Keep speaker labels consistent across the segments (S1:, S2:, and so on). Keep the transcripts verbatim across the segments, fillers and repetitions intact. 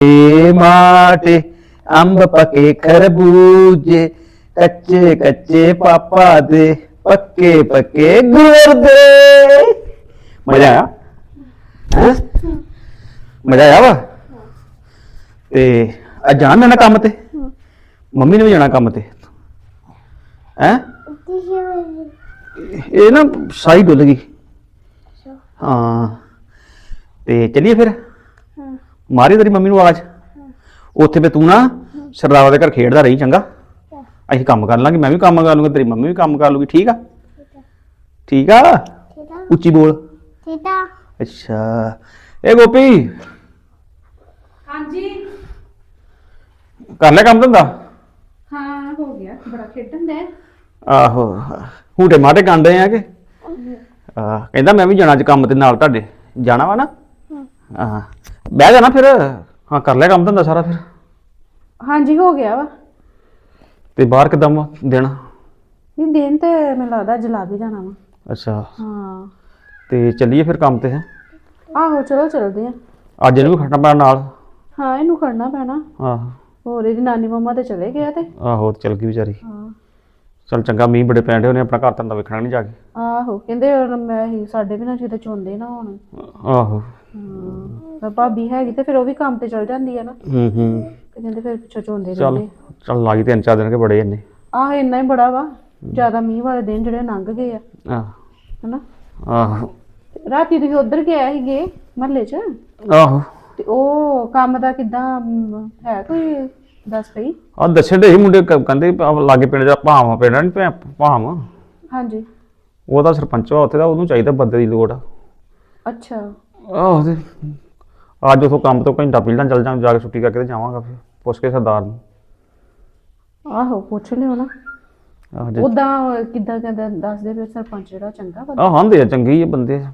S1: माटे अंब पके खरबूजे कच्चे कच्चे पापा दे पक्के पक्के गुड़ दे। मजा आया हैं? मजा आया वा ते अज जाना ना काम ते मम्मी ने भी जाना काम ते हैं? ये ना शाही डुल गई हाँ ते चलिए फिर मारी तेरी मम्मी आवाज उत्थे पे तू ना सरदारा के घर खेडदा रही चंगा असीं काम कर लांगे मैं भी काम कर लूंगा तेरी मम्मी भी काम कर लूगी ठीक आ ठीक आ उच्ची बोल अच्छा ए गोपी
S2: हाँ जी
S1: कर लिया काम धंधा
S2: हाँ हो गया बड़ा खेडन दे
S1: आहो हूटे माटे कांडे आ के कहंदा मैं भी जाना अज काम ते नाल तुहाडे जाना वा ना हाँ बह जाना फिर हाँ कर लिया काम धंधा सारा फिर
S2: हाँ जी हो गया वा
S1: ते बाहर किदां वा देना
S2: नहीं दिन ते मैं लगदा जला भी जाना वा
S1: अच्छा
S2: हाँ
S1: ते चलिए फिर काम ते हैं
S2: आहो चलो चलदे आ
S1: अज इहनूं भी खड़ना पैना नाल
S2: हाँ इनू खड़ना पैना
S1: आहो
S2: होर इहदी नानी मम्मा ते चले गए ते
S1: आहो चल गई बेचारी
S2: हाँ
S1: चल चंगा मींह बड़े पैंडे उन्हें अपना घर धंधा वेखना नहीं जाके
S2: आहो कहंदे मैं ही साडे भी ना किते चोंदे ना होण
S1: आहो
S2: हाँ भाभी हैगी ते फिर वो भी काम ते चल जांदी है ना
S1: हूं हूं
S2: ते कहंदे फिर पिछो चोंदे
S1: चल
S2: रहंदे
S1: चल लागी तीन चार दिन के बड़े इन्ने
S2: आह इन्ना ही बड़ा वा ज्यादा मींह वाले दिन जेहड़े लंघ गए आ
S1: आह
S2: हैना
S1: आहो
S2: राती तुसीं उधर गए सीगे म्हल्ले च
S1: आहो
S2: ते ਉਹ ਕੰਮ ਦਾ ਕਿਦਾਂ ਹੈ ਕੋਈ ਦੱਸ ਪਈ
S1: ਆ ਦੱਸਣ ਦੇ ਸੀ ਮੁੰਡੇ ਕਹਿੰਦੇ ਲਾਗੇ ਪਿੰਡ ਦਾ ਭਾਵਾਂ ਪਿੰਡ ਨਹੀਂ ਭਾਮ
S2: ਹਾਂਜੀ
S1: ਉਹਦਾ ਸਰਪੰਚ ਵਾ ਉੱਥੇ ਦਾ ਉਹਨੂੰ ਚਾਹੀਦਾ ਬੰਦੇ ਦੀ ਲੋੜ ਆ
S2: ਅੱਛਾ
S1: ਆਹੋ ਤੇ ਅੱਜ ਉਥੋਂ ਕੰਮ ਤੋਂ ਘੰਟਾ ਪਹਿਲਾਂ ਚੱਲ ਜਾਂ ਜਾ ਕੇ ਛੁੱਟੀ ਕਰਕੇ ਤੇ ਜਾਵਾਂਗਾ ਫਿਰ ਪੁੱਛ ਕੇ ਸਰਦਾਰ ਨੂੰ
S2: ਆਹੋ ਪੁੱਛ ਲਿਓ ਨਾ
S1: ਆਹ
S2: ਉਦਾਂ ਕਿਦਾਂ ਕਹਿੰਦਾ ਦੱਸਦੇ ਵੀ ਸਰਪੰਚ ਜਿਹੜਾ ਚੰਗਾ ਬੰਦਾ
S1: ਆਹ ਹਾਂਦੇ ਆ ਚੰਗੇ ਹੀ ਆ ਬੰਦੇ
S2: ਹਾਂ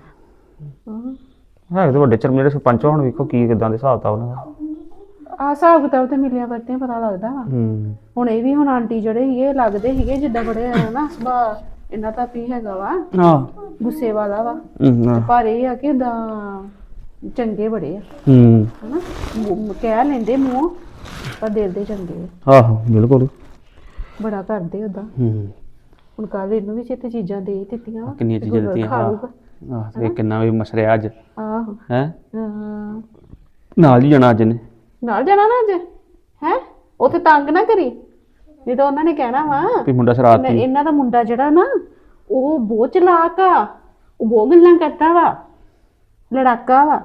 S1: ਹੈ ਤੇ ਵੱਡੇ ਚਰਮ ਜਿਹੜੇ ਸਰਪੰਚ ਹੁਣ ਵੇਖੋ ਕੀ ਕਿਦਾਂ ਦੇ ਹਿਸਾਬ ਤਾ ਉਹਨਾਂ ਦਾ
S2: ਆ ਹਿਸਾਬ ਕਿਤਾਬ ਤੇ ਮਿਲਿਆ ਵਰਤੇ ਪਤਾ ਲੱਗਦਾ ਵਾ
S1: ਹੂੰ
S2: ਹੁਣ ਇਹ ਵੀ ਹੁਣ ਆਂਟੀ ਜਿਹੜੇ ਸੀਗੇ ਲੱਗਦੇ ਸੀਗੇ ਜਿੱਦਾਂ ਬੜੇ ਨਾ ਸੁਭਾਅ ਇਹਨਾਂ ਦਾ ਵੀ ਹੈਗਾ ਵਾ
S1: ਹਾਂ
S2: ਗੁੱਸੇ ਵਾਲਾ ਵਾ
S1: ਹੂੰ
S2: ਪਰ ਇਹ ਆ ਕਿ ਉਦਾਂ ਚੰਗੇ ਬੜੇ ਆ
S1: ਹੂੰ
S2: ਹਨਾ ਮੂੰਹ- ਕਹਿ ਲੈਂਦੇ ਮੂੰਹ ਪਰ ਦਿਲ ਦੇ ਚੰਗੇ ਆ
S1: ਆਹੋ ਬਿਲਕੁਲ
S2: ਬੜਾ ਕਰਦੇ ਉਦਾਂ
S1: ਹੂੰ
S2: ਹੁਣ ਕੱਲ ਇਹਨੂੰ ਵੀ ਚੇਤੇ ਚੀਜ਼ਾਂ ਦੇ ਦਿੱਤੀਆਂ ਵਾ
S1: ਕਿੰਨੀਆਂ
S2: ਤੇ
S1: ਚੀਜ਼ਾਂ
S2: ਗੁਰਦੁਆਰਾ
S1: ਦਿੱਤੀਆਂ
S2: ਖਾ
S1: ਆਹ
S2: ਲੂਗਾ।
S1: ਆਹ ਤੇ ਕਿੰਨਾ ਵੀ ਮਸਰਿਆ ਅੱਜ
S2: ਆਹੋ
S1: ਹੈ
S2: ਹਾਂ
S1: ਨਾਲ ਹੀ ਜਾਣਾ ਅੱਜ ਨੇ
S2: ਨਾਲ ਜਾਣਾ ਨਾ ਅੱਜ ਹੈ ਉੱਥੇ ਤੰਗ ਨਾ ਕਰੀ ਜਦੋਂ ਉਹਨਾਂ ਨੇ ਕਹਿਣਾ ਵਾ
S1: ਵੀ ਮੁੰਡਾ ਸ਼ਰਾਰਤੀ
S2: ਇਹਨਾਂ- ਇਹਨਾਂ ਦਾ ਮੁੰਡਾ ਜਿਹੜਾ ਨਾ ਉਹ ਬਹੁਤ ਚਲਾਕ ਆ ਉਹ ਬਹੁਤ ਗੱਲਾਂ ਕਰਦਾ ਵਾ ਲੜਾਕਾ ਵਾ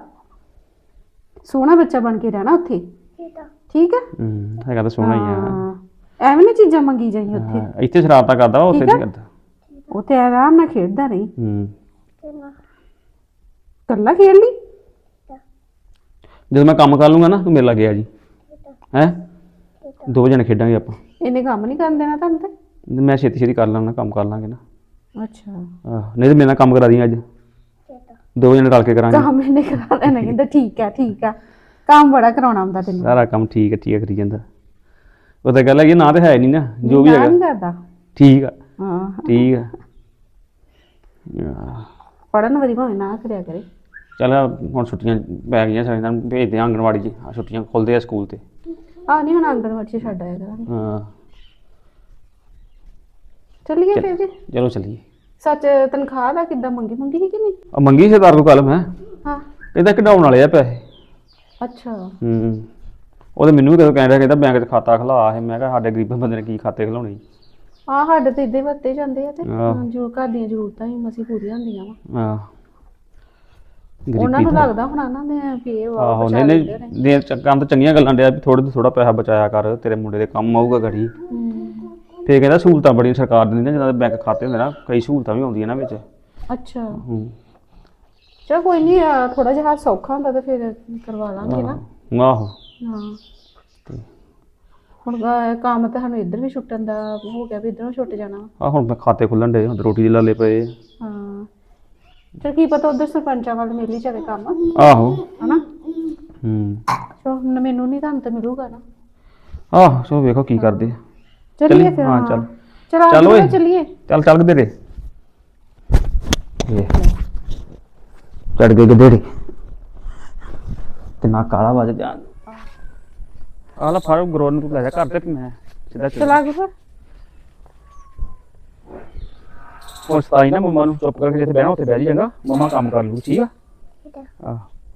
S2: ਸੋਹਣਾ ਬੱਚਾ ਬਣ ਕੇ ਰਹਿਣਾ ਉੱਥੇ ਠੀਕ ਆ
S1: ਹੂੰ ਹੈਗਾ ਤਾਂ ਸੋਹਣਾ ਹੀ ਆ
S2: ਹਾਂ, ਐਵੇਂ ਨਾ ਚੀਜ਼ਾਂ ਮੰਗੀ ਜਾਈ ਉੱਥੇ
S1: ਹਾਂ, ਇੱਥੇ ਸ਼ਰਾਰਤਾਂ ਕਰਦਾ ਵਾ, ਉੱਥੇ
S2: ਠੀਕ
S1: ਨਹੀਂ
S2: ਆ।
S1: ਕਰਦਾ
S2: ਉੱਥੇ ਆਰਾਮ ਨਾਲ ਖੇਡਦਾ ਰਹੀ
S1: ਹੂੰ
S2: ਕੱਲਾ ਖੇਡ ਲਈ
S1: ਜਦੋਂ ਮੈਂ ਕੰਮ ਕਰ ਲੂੰਗਾ ਨਾ ਤੂੰ ਮੇਰੇ ਲਾਗੇ ਆ ਜੀ ਹੈ ਦੋ ਜਣੇ ਖੇਡਾਂਗੇ ਆਪਾਂ
S2: ਇਹਨੇ ਕੰਮ ਨਹੀਂ ਕਰਨ ਦੇਣਾ ਤੁਹਾਨੂੰ ਤੇ
S1: ਮੈਂ ਛੇਤੀ ਛੇਤੀ ਕਰ ਲਾਂਗਾ ਕੰਮ ਕਰ ਲਾਂਗੇ ਨਾ
S2: ਅੱਛਾ
S1: ਆਹ ਨਹੀਂ ਤੇ ਮੇਰੇ ਨਾਲ ਕੰਮ ਕਰਾ ਦੀ ਅੱਜ ਦੋ ਜਣੇ ਰਲ ਕੇ ਕਰਾਂਗੇ
S2: ਕੰਮ ਇਹਨੇ ਕਰਾ ਲੈਣਾ ਕਹਿੰਦਾ ਠੀਕ ਆ ਠੀਕ ਆ ਕੰਮ ਬੜਾ ਕਰਾਉਣਾ ਹੁੰਦਾ ਤੈਨੂੰ
S1: ਸਾਰਾ ਕੰਮ ਠੀਕ ਹੈ ਠੀਕ ਹੈ ਕਰੀ ਜਾਂਦਾ ਉਹ ਤਾਂ ਗੱਲ ਹੈ ਕਿ ਨਾ ਤੇ ਹੈ ਨਹੀਂ ਨਾ ਜੋ ਵੀ
S2: ਨਾ
S1: ਹੈਗਾ
S2: ਨਹੀਂ ਕਰਦਾ
S1: ਠੀਕ ਆ
S2: ਹਾਂ
S1: ਠੀਕ ਆ ਆਹ,
S2: ਪੜਨ ਵਾਲੀ ਭਾਵੇਂ ਨਾ ਕਰਿਆ ਕਰੇ
S1: ਚੱਲ ਹੁਣ ਛੁੱਟੀਆਂ ਪੈ ਗਈਆਂ ਸਾਰੇ ਨਾਲ ਭੇਜਦੇ ਆ ਆਂਗਣਵਾੜੀ 'ਚ ਆਹ ਛੁੱਟੀਆਂ ਖੁੱਲਦੇ ਆ ਸਕੂਲ ਤੇ
S2: ਆ ਨਹੀਂ ਹੁਣ ਆਂਗਣਵਾੜੀ ਚ ਛੱਡ ਆਇਆ ਕਰਾਂਗੇ
S1: ਹਾਂ
S2: ਚੱਲੀਏ ਫਿਰ ਜੀ
S1: ਚਲੋ ਚੱਲੀਏ
S2: ਸੱਚ ਤਨਖਾਹ ਦਾ ਕਿੱਦਾਂ ਮੰਗੀ ਮੰਗੀ ਸੀ ਕਿ ਨਹੀਂ
S1: ਆ ਮੰਗੀ ਸਰਦਾਰ ਨੂੰ ਕੱਲ ਮੈਂ
S2: ਹਾਂ
S1: ਇਹਦਾ ਕਢਾਉਣ ਵਾਲੇ ਆ ਪੈਸੇ
S2: ਅੱਛਾ
S1: ਹੂੰ ਉਹ ਤਾਂ ਮੈਨੂੰ ਵੀ ਕਦੋਂ ਕਹਿ ਰਿਹਾ ਕਹਿੰਦਾ ਬੈਂਕ 'ਚ ਖਾਤਾ ਖੁਲਾ ਹੈ ਮੈਂ ਕਿਹਾ ਸਾਡੇ ਗਰੀਬ ਬੰਦੇ ਨੇ ਕੀ ਖਾਤੇ ਖੁਲਾਉਣੇ
S2: ਆ ਸਾਡੇ ਤੇ ਇੱਦਾਂ ਹੀ ਵਰਤੇ ਜਾਂਦੇ ਆ ਤੇ
S1: ਆਹ।
S2: ਜੋ ਘਰ ਦੀਆਂ ਜ਼ਰੂਰਤਾਂ ਹੀ ਮਸੀ ਪੂਰੀਆਂ ਹੁੰਦੀਆਂ ਵਾ
S1: ਹਾਂ
S2: ਉਹਨਾਂ ਨੂੰ ਲੱਗਦਾ ਹੁਣ ਇਹਨਾਂ ਦੇ ਵੀ ਇਹ ਵਾ
S1: ਆਹੋ ਨਹੀਂ ਨਹੀਂ ਦੇ ਕੰਮ ਤਾਂ ਚੰਗੀਆਂ ਗੱਲਾਂ ਡਿਆ ਵੀ ਥੋੜਾ ਥੋੜਾ ਪੈਸਾ ਬਚਾਇਆ ਕਰ ਤੇਰੇ ਮੁੰਡੇ ਦੇ ਕੰਮ ਆਊਗਾ ਘੜੀ ਫੇਰ ਕਹਿੰਦਾ ਸਹੂਲਤਾਂ ਬੜੀਆਂ ਸਰਕਾਰ ਦਿੰਦੀ ਨਾ ਜਿੱਦਾਂ ਬੈਂਕ ਖਾਤੇ ਹੁੰਦੇ ਨਾ ਕਈ ਸਹੂਲਤਾਂ ਵੀ ਆਉਂਦੀਆਂ ਨਾ ਵਿੱਚ
S2: ਅੱਛਾ
S1: ਹੂੰ
S2: ਚਲ ਕੋਈ ਨਹੀਂ ਥੋੜਾ ਜਿਹਾ ਸੌਖਾ ਹੁੰਦਾ ਤੇ ਫਿਰ ਕਰਵਾ ਲਾਂਗੇ ਨਾ
S1: ਆਹੋ
S2: ਹਾਂ ਹੁਣ ਅਹ, ਕੰਮ ਤਾਂ ਸਾਨੂੰ ਇੱਧਰ ਵੀ ਛੁੱਟਣ ਦਾ ਹੋ ਗਿਆ ਵੀ ਇੱਧਰੋਂ ਛੁੱਟ ਜਾਣਾ
S1: ਆ ਹੁਣ ਮੈਂ ਖਾਤੇ ਖੁੱਲਣ ਦੇ ਹੁਣ ਰੋਟੀ ਦੇ ਲਾਲੇ ਪਏ ਆ।
S2: ਹਾਂ ਚਲ ਕੀ ਪਤਾ ਉਧਰ ਸਰਪੰਚਾਂ ਵੱਲ ਮਿਲ ਹੀ ਜਾਵੇ ਕੰਮ
S1: ਆਹੋ
S2: ਹਨਾ
S1: ਹੂੰ
S2: ਚਲੋ ਹੁਣ ਮੈਨੂੰ ਨਹੀਂ ਤੁਹਾਨੂੰ ਤਾਂ ਮਿਲੂਗਾ ਨਾ
S1: ਆਹ ਚਲੋ ਵੇਖੋ ਕੀ ਕਰਦੇ ਆ।
S2: ਚਲਿਏ ਫਿਰ
S1: ਹਾਂ ਚੱਲ
S2: ਚਲ
S1: ਚੱਲ ਓਏ
S2: ਚਲਿਏ
S1: ਚੱਲ ਚੱਲ ਕਿਧਰੇ ਚੜ ਗਏ ਕਿਧਰੇ ਤੇ ਨਾ ਕਾਲਾ ਵੱਜ ਜਾ ਆ ਲੈ ਫੜ ਗਰੋਰ ਨੂੰ ਤੂੰ ਲੈ ਜਾ ਘਰ ਤੇ ਮੈਂ ਸਿੱਧਾ
S2: ਚਲਾ ਗੁਰੂ
S1: ਉਸ ਤਾਈ ਨਾ ਮੰਮਾ ਨੂੰ ਚੁੱਪ ਕਰਕੇ ਜਿੱਥੇ ਬਹਿਣਾ ਉੱਥੇ ਬਹਿ ਜੀ ਚੰਗਾ ਮੰਮਾ ਕੰਮ ਕਰ ਲੂ ਠੀਕ ਆ ਆਹ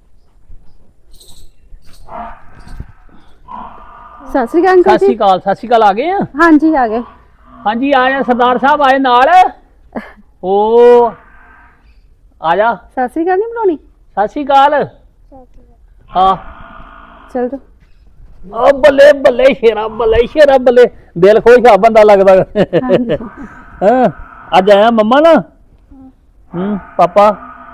S2: ਸਤਿ ਸ੍ਰੀ ਅਕਾਲ ਅੰਕਲ
S3: ਸਤਿ ਸ਼੍ਰੀ
S2: ਜੀ
S3: ਅਕਾਲ ਸਤਿ ਸ਼੍ਰੀ ਅਕਾਲ ਆ ਗਏ ਆ
S2: ਹਾਂਜੀ ਆ ਗਏ
S3: ਹਾਂਜੀ ਆਇਆ ਸਰਦਾਰ ਸਾਹਿਬ ਆਏ ਨਾਲ ਓ ਆ ਜਾ
S2: ਸਤਿ ਸ੍ਰੀ ਅਕਾਲ ਨਹੀਂ ਬੁਲਾਉਣੀ
S3: ਸਤਿ ਸ਼੍ਰੀ ਅਕਾਲ ਹਾਂ
S2: ਚਲ ਜਾ
S3: ਓ ਬੱਲੇ ਬੱਲੇ ਸ਼ੇਰਾ ਬੱਲੇ ਸ਼ੇਰਾ ਬੱਲੇ ਦਿਲ ਖੁਸ਼ ਆ ਬੰਦਾ ਲੱਗਦਾ
S2: ਹਾਂਜੀ
S3: ਹਾਂ ਅੱਜ ਆਇਆ ਮੰਮਾ ਨਾ ਹੂੰ ਪਾਪਾ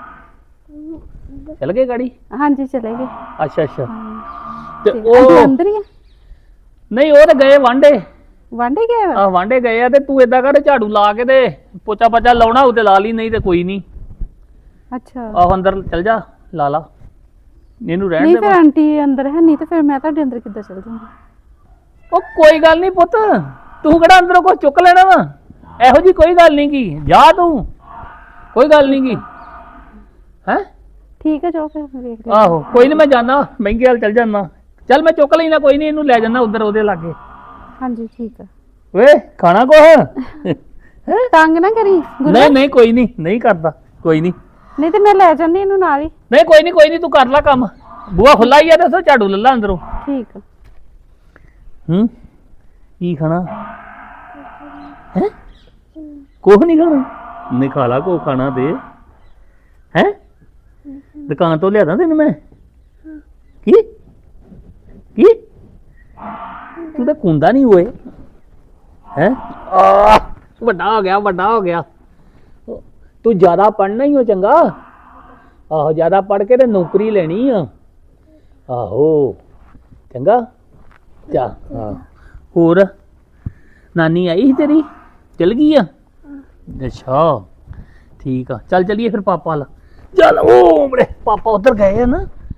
S3: ਚਲ ਗਏ ਗਾੜੀ
S2: ਹਾਂਜੀ ਚਲੇ ਗਏ
S3: ਅੱਛਾ ਅੱਛਾ ਤੇ
S2: ਤੇ
S3: ਉਹ
S2: ਅੰਕਲ ਅੰਦਰ ਹੀ ਆ
S3: ਨਹੀਂ ਉਹ ਤਾਂ ਗਏ ਵਾਂਡੇ
S2: ਵਾਂਡੇ ਗਏ ਵਾ?
S3: ਆ ਵਾਂਡੇ ਗਏ ਆ ਤੇ ਤੂੰ ਏਦਾਂ ਕਰ ਝਾੜੂ ਲਾ ਕੇ ਤੇ ਪੋਚਾ ਪੋਚਾ ਲਾਉਣਾ ਉਹ ਤੇ ਲਾ ਲਈ ਨਹੀਂ ਤੇ ਕੋਈ ਨਹੀਂ
S2: ਅੱਛਾ
S3: ਆਹ ਅੰਦਰ ਚਲ ਜਾ ਲਾ ਲਾ ਇਹਨੂੰ ਰਹਿਣ
S2: ਨਹੀਂ
S3: ਦੇ
S2: ਫਿਰ
S3: ਬਸ।
S2: ਆਂਟੀ ਅੰਦਰ ਹੈ ਨਹੀਂ ਤੇ ਫਿਰ ਮੈਂ ਤੁਹਾਡੇ ਅੰਦਰ ਕਿੱਦਾਂ ਚਲ ਜਾਵਾਂਗੀ
S3: ਉਹ ਕੋਈ ਗੱਲ ਨਹੀਂ ਪੁੱਤ ਤੂੰ ਕਿਹੜਾ ਅੰਦਰੋਂ ਕੁਝ ਚੁੱਕ ਲੈਣਾ ਵਾ ਇਹੋ ਜੀ ਕੋਈ ਗੱਲ ਨਹੀਂ ਕੀ ਜਾ ਤੂੰ ਕੋਈ ਗੱਲ ਨਹੀਂ ਕੀ ਹੈ
S2: ਠੀਕ ਹੈ ਜਾਓ ਫਿਰ ਮੈਂ ਵੇਖ ਲਿਆ
S3: ਆਹੋ ਕੋਈ ਨਹੀਂ ਮੈਂ ਜਾਣਾ ਮਹਿੰਗੇ ਵਾਲ ਚੱਲ ਜਾਣਾ ਚੱਲ ਮੈਂ ਚੁੱਕ ਲੈਣਾ ਕੋਈ ਨਹੀਂ ਇਹਨੂੰ ਲੈ ਜਾਣਾ ਉਧਰ ਉਹਦੇ ਲਾਗੇ
S2: ਹਾਂਜੀ ਠੀਕ ਆ
S3: ਵੇ ਖਾਣਾ ਕੁਛ
S2: ਤੰਗ ਨਾ ਕਰੀ ਗੁਰੂ
S3: ਨਹੀਂ ਨਹੀਂ ਕੋਈ ਨਹੀਂ ਨਹੀਂ ਕਰਦਾ ਕੋਈ ਨਹੀਂ
S2: ਨਹੀਂ ਤੇ ਮੈਂ ਲੈ ਜਾਂਦੀ ਇਹਨੂੰ ਨਾਲ ਹੀ
S3: ਨਹੀਂ ਕੋਈ ਨਹੀਂ ਕੋਈ ਨਹੀਂ ਤੂੰ ਕਰ ਲੈ ਕੰਮ ਬੂਆ ਖੁੱਲਾ ਹੀ ਆ ਤੇ ਉੱਥੋਂ ਝਾੜੂ ਲੈ ਲਾ ਅੰਦਰੋਂ
S2: ਠੀਕ ਆ
S3: ਹੂੰ ਕੀ ਖਾਣਾ ਹੈ ਕੁਛ ਨਹੀਂ ਖਾਣਾ ਨਹੀਂ ਖਾ ਲਾ ਕੋ ਖਾਣਾ ਦੇ ਹੈ ਦੁਕਾਨ ਤੋਂ ਲਿਆਦਾ ਤੈਨੂੰ ਮੈਂ ਕੀ ਕੀ ਤੂੰ ਤਾਂ ਕੁੰਦਾ ਨਹੀਂ ਹੋਏ ਹੈ ਆ ਵੱਡਾ ਹੋ ਗਿਆ ਵੱਡਾ ਹੋ ਗਿਆ ਤੂੰ ਜ਼ਿਆਦਾ ਪੜ੍ਹਨਾ ਹੀ ਹੋ ਚੰਗਾ ਆਹੋ ਜ਼ਿਆਦਾ ਪੜ੍ਹ ਕੇ ਤੇ ਨੌਕਰੀ ਲੈਣੀ ਆ ਆਹੋ ਚੰਗਾ ਚਾ ਹਾਂ ਹੋਰ ਨਾਨੀ ਆਈ ਸੀ ਤੇਰੀ ਚਲ ਗਈ ਆ ਅੱਛਾ ਠੀਕ ਆ ਚੱਲ ਚਲੀਏ ਫਿਰ ਪਾਪਾ ਲ ਚੱਲ ਉਹ ਮਰੇ ਪਾਪਾ ਉਧਰ ਗਏ ਆ ਨਾ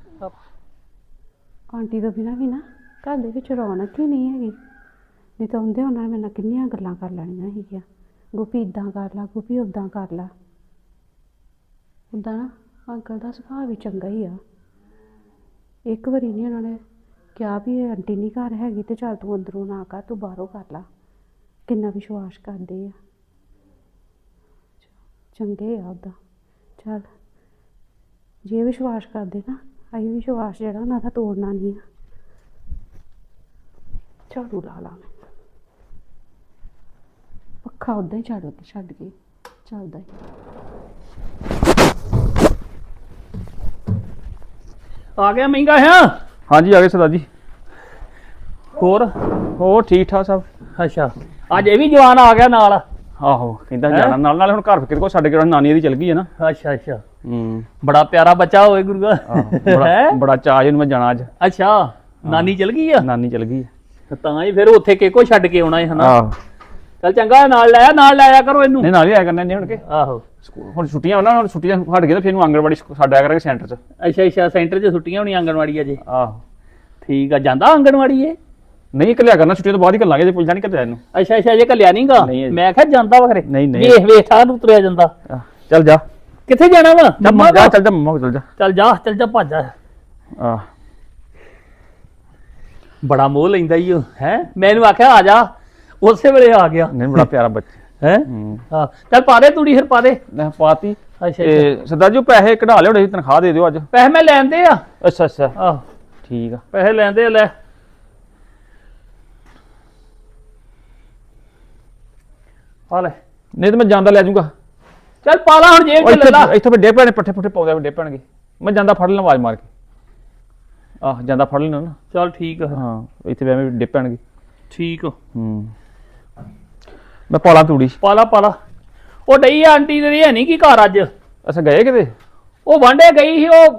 S2: ਆਂਟੀ ਤੋਂ ਬਿਨਾਂ ਵੀ ਨਾ ਘਰ ਦੇ ਵਿੱਚ ਰੌਣਕ ਹੀ ਨਹੀਂ ਹੈਗੀ ਨਹੀਂ ਤਾਂ ਹੁੰਦੇ ਉਹਨਾਂ ਨੇ ਮੇਰੇ ਨਾਲ ਕਿੰਨੀਆਂ ਗੱਲਾਂ ਕਰ ਲੈਣੀਆਂ ਸੀਗੀਆਂ ਗੋਪੀ ਇਦਾਂ ਕਰ ਲਾ ਗੋਪੀ ਉਦਾਂ ਕਰ ਲਾ ਉੱਦਾਂ ਨਾ ਅੰਕਲ ਦਾ ਸੁਭਾਅ ਵੀ ਚੰਗਾ ਹੀ ਆ ਇੱਕ ਵਾਰੀ ਨਹੀਂ ਉਹਨਾਂ ਨੇ ਕਿਹਾ ਵੀ ਇਹ ਆਂਟੀ ਨਹੀਂ ਘਰ ਹੈਗੀ ਤੇ ਚੱਲ ਤੂੰ ਅੰਦਰੋਂ ਨਾ ਕਰ ਤੂੰ ਬਾਹਰੋਂ ਕਰ ਲਾ ਕਿੰਨਾ ਵਿਸ਼ਵਾਸ ਕਰਦੇ ਆ ਚੰਗੇ ਆ ਉੱਦਾਂ ਚੱਲ ਜੇ ਵਿਸ਼ਵਾਸ ਕਰਦੇ ਨਾ ਅਸੀਂ ਵਿਸ਼ਵਾਸ ਜਿਹੜਾ ਉਹਨਾਂ ਦਾ ਤੋੜਨਾ ਨਹੀਂ ਆ ਝਾੜੂ ਲਾ ਲਾ ਮੈਂ ਪੱਖਾ ਉੱਦਾਂ ਹੀ ਝਾੜੂ ਤੇ ਛੱਡ ਕੇ ਚੱਲਦਾ ਹੀ
S3: ਆ ਗਿਆ ਮਹਿੰਗਾ ਹੈ
S1: ਹਾਂਜੀ ਆ ਗਏ ਸਰਦਾਰ ਜੀ
S3: ਹੋਰ
S1: ਹੋਰ ਠੀਕ ਠਾਕ ਸਭ
S3: ਅੱਛਾ ਅੱਜ ਇਹ ਵੀ ਜਵਾਨ ਆ ਗਿਆ ਨਾਲ
S1: ਆਹੋ ਕਹਿੰਦਾ
S3: ਹੈਂ?
S1: ਜਾਣਾ ਨਾਲ ਨਾਲ ਹੁਣ ਘਰ ਕਿਤੇ ਕੋ ਛੱਡ ਕੇ ਨਾਨੀ ਦੀ ਚਲ ਗਈ ਹੈ ਨਾ
S3: ਅੱਛਾ ਅੱਛਾ
S1: ਹੂੰ
S3: ਬੜਾ ਪਿਆਰਾ ਬੱਚਾ ਹੋਏ ਗੁਰੂਆ
S1: ਆਹੋ, ਬੜਾ
S3: ਹੈਂ?
S1: ਬੜਾ ਚਾਅ ਜਿਹਨੂੰ ਮੈਂ ਜਾਣਾ ਅੱਜ
S3: ਅੱਛਾ ਨਾਨੀ ਚਲ ਗਈ ਆ
S1: ਨਾਨੀ ਚਲ ਗਈ
S3: ਤਾਂ ਹੀ ਫਿਰ ਉੱਥੇ ਕਿਹਕੋ ਛੱਡ ਕੇ ਆਉਣਾ ਹੈ ਹਨਾ
S1: ਆਹੋ
S3: ਚੱਲ ਚੰਗਾ ਨਾਲ ਲੈ ਆ ਨਾਲ ਲੈ ਆ ਕਰੋ ਇਹਨੂੰ
S1: ਨਹੀਂ ਨਾਲ ਹੀ ਆਇਆ ਕਰਨਾ ਨਹੀਂ ਹੁਣ ਕੇ
S3: ਆਹੋ
S1: ਸਕੂਲ ਹੁਣ ਛੁੱਟੀਆਂ ਉਹਨਾਂ ਹੁਣ ਛੁੱਟੀਆਂ ਹਟ ਗਏ ਤੇ ਫਿਰ ਨੂੰ ਆਂਗਣਵਾੜੀ ਛੱਡ ਆਇਆ ਕਰਾਂਗੇ ਸੈਂਟਰ 'ਚ
S3: ਅੱਛਾ ਅੱਛਾ ਸੈਂਟਰ 'ਚ ਛੁੱਟੀਆਂ ਹੋਣੀਆਂ ਆਂਗਣਵਾੜੀ ਅਜੇ
S1: ਆਹੋ
S3: ਠੀਕ ਆ ਜਾਂਦਾ ਆਂਗਣਵਾੜੀ ਇਹ
S1: ਨਹੀਂ ਘੱਲਿਆ ਕਰਨਾ ਛੁੱਟੀਆਂ ਤੋਂ ਬਾਅਦ ਹੀ ਘੱਲਾਂਗੇ ਜੇ ਪੁੱਛਦਾ ਨਹੀਂ ਘੱਲਿਆ ਇਹਨੂੰ
S3: ਅੱਛਾ ਅੱਛਾ ਅਜੇ ਘੱਲਿਆ ਨਹੀਂਗਾ
S1: ਨਹੀਂ ਅਜੇ।
S3: ਮੈਂ ਕਿਹਾ ਜਾਂਦਾ ਵਾ ਖਰੇ
S1: ਨਹੀਂ, ਨਹੀਂ।
S3: ਵੇਖ ਵੇਖ ਠਾਹ ਨੂੰ ਤੁਰਿਆ ਜਾਂਦਾ
S1: ਆਹ, ਚੱਲ ਜਾ
S3: ਕਿੱਥੇ ਜਾਣਾ ਵਾ
S1: ਜਾ
S3: ਮੰਮਾ
S1: ਜਾ
S3: ਕੋਲ?
S1: ਚੱਲ ਜਾ ਮੰਮਾ ਕੋਲ ਚੱਲ ਜਾ
S3: ਚੱਲ ਜਾ ਚੱਲ ਜਾ ਭੱਜ ਜਾ
S1: ਆਹ
S3: ਬੜਾ ਮੋਹ ਲੈਂਦਾ ਈ ਉਹ ਹੈ ਮੈਨੂੰ ਆਖਿਆ ਆ ਜਾ ਉਸੇ ਵੇਲੇ ਆ ਗਿਆ
S1: ਨਹੀਂ ਬੜਾ ਪਿਆਰਾ ਬੱਚਾ
S3: ਹੈ
S1: ਹੂੰ
S3: ਹਾਂ ਚੱਲ ਪਾ ਦੇ ਤੂੜੀ ਫਿਰ ਪਾ ਦੇ
S1: ਮੈਂ ਪਾਤੀ
S3: ਅੱਛਾ ਅੱਛਾ
S1: ਤੇ ਸਰਦਾਰ ਜੀ ਉਹ ਪੈਸੇ ਕਢਾ ਲਿਓ ਡੇ ਤਨਖਾਹ ਦੇ ਦਿਓ ਅੱਜ
S3: ਪੈਸੇ ਮੈਂ ਲੈਂਦੇ ਆ
S1: ਅੱਛਾ ਅੱਛਾ
S3: ਆਹ
S1: ਠੀਕ ਆ
S3: ਪੈਸੇ ਲੈਂਦੇ ਆ ਲੈ ਆ ਲੈ
S1: ਨਹੀਂ ਤੇ ਮੈਂ ਜਾਂਦਾ ਲੈ ਜਾਊਂਗਾ
S3: ਚੱਲ ਪਾ ਲਾ ਹੁਣ ਜੇਬ ਚ ਲੈ ਲਾ
S1: ਇੱਥੇ ਇੱਥੇ ਵੱਡੇ ਪੈਣੇ ਪੱਠੇ ਪੁੱਠੇ ਪਾਉਂਦੇ ਵੱਡੇ ਪੈਣਗੇ ਮੈਂ ਜਾਂਦਾ ਫੜ ਲੈਣਾ ਆਵਾਜ਼ ਮਾਰ ਕੇ ਆਹ ਜਾਂਦਾ ਫੜ ਲੈਣਾ ਨਾ
S3: ਚੱਲ ਠੀਕ ਆ
S1: ਹਾਂ ਇੱਥੇ ਐਵੇਂ ਡੇ ਪੈਣਗੇ
S3: ਠੀਕ ਆ
S1: ਹੂੰ ਮੈਂ ਪਾਲਾ ਤੂੜੀ
S3: ਪਾ ਲਾ ਪਾ ਲਾ ਉਹ ਡਈ ਆ ਆਂਟੀ ਤੇਰੀ ਹੈ ਨਹੀਂ ਕੀ ਘਰ ਅੱਜ
S1: ਅੱਛਾ ਗਏ ਕਿਤੇ
S3: ਉਹ ਵਾਂਡੇ ਗਈ ਸੀ ਉਹ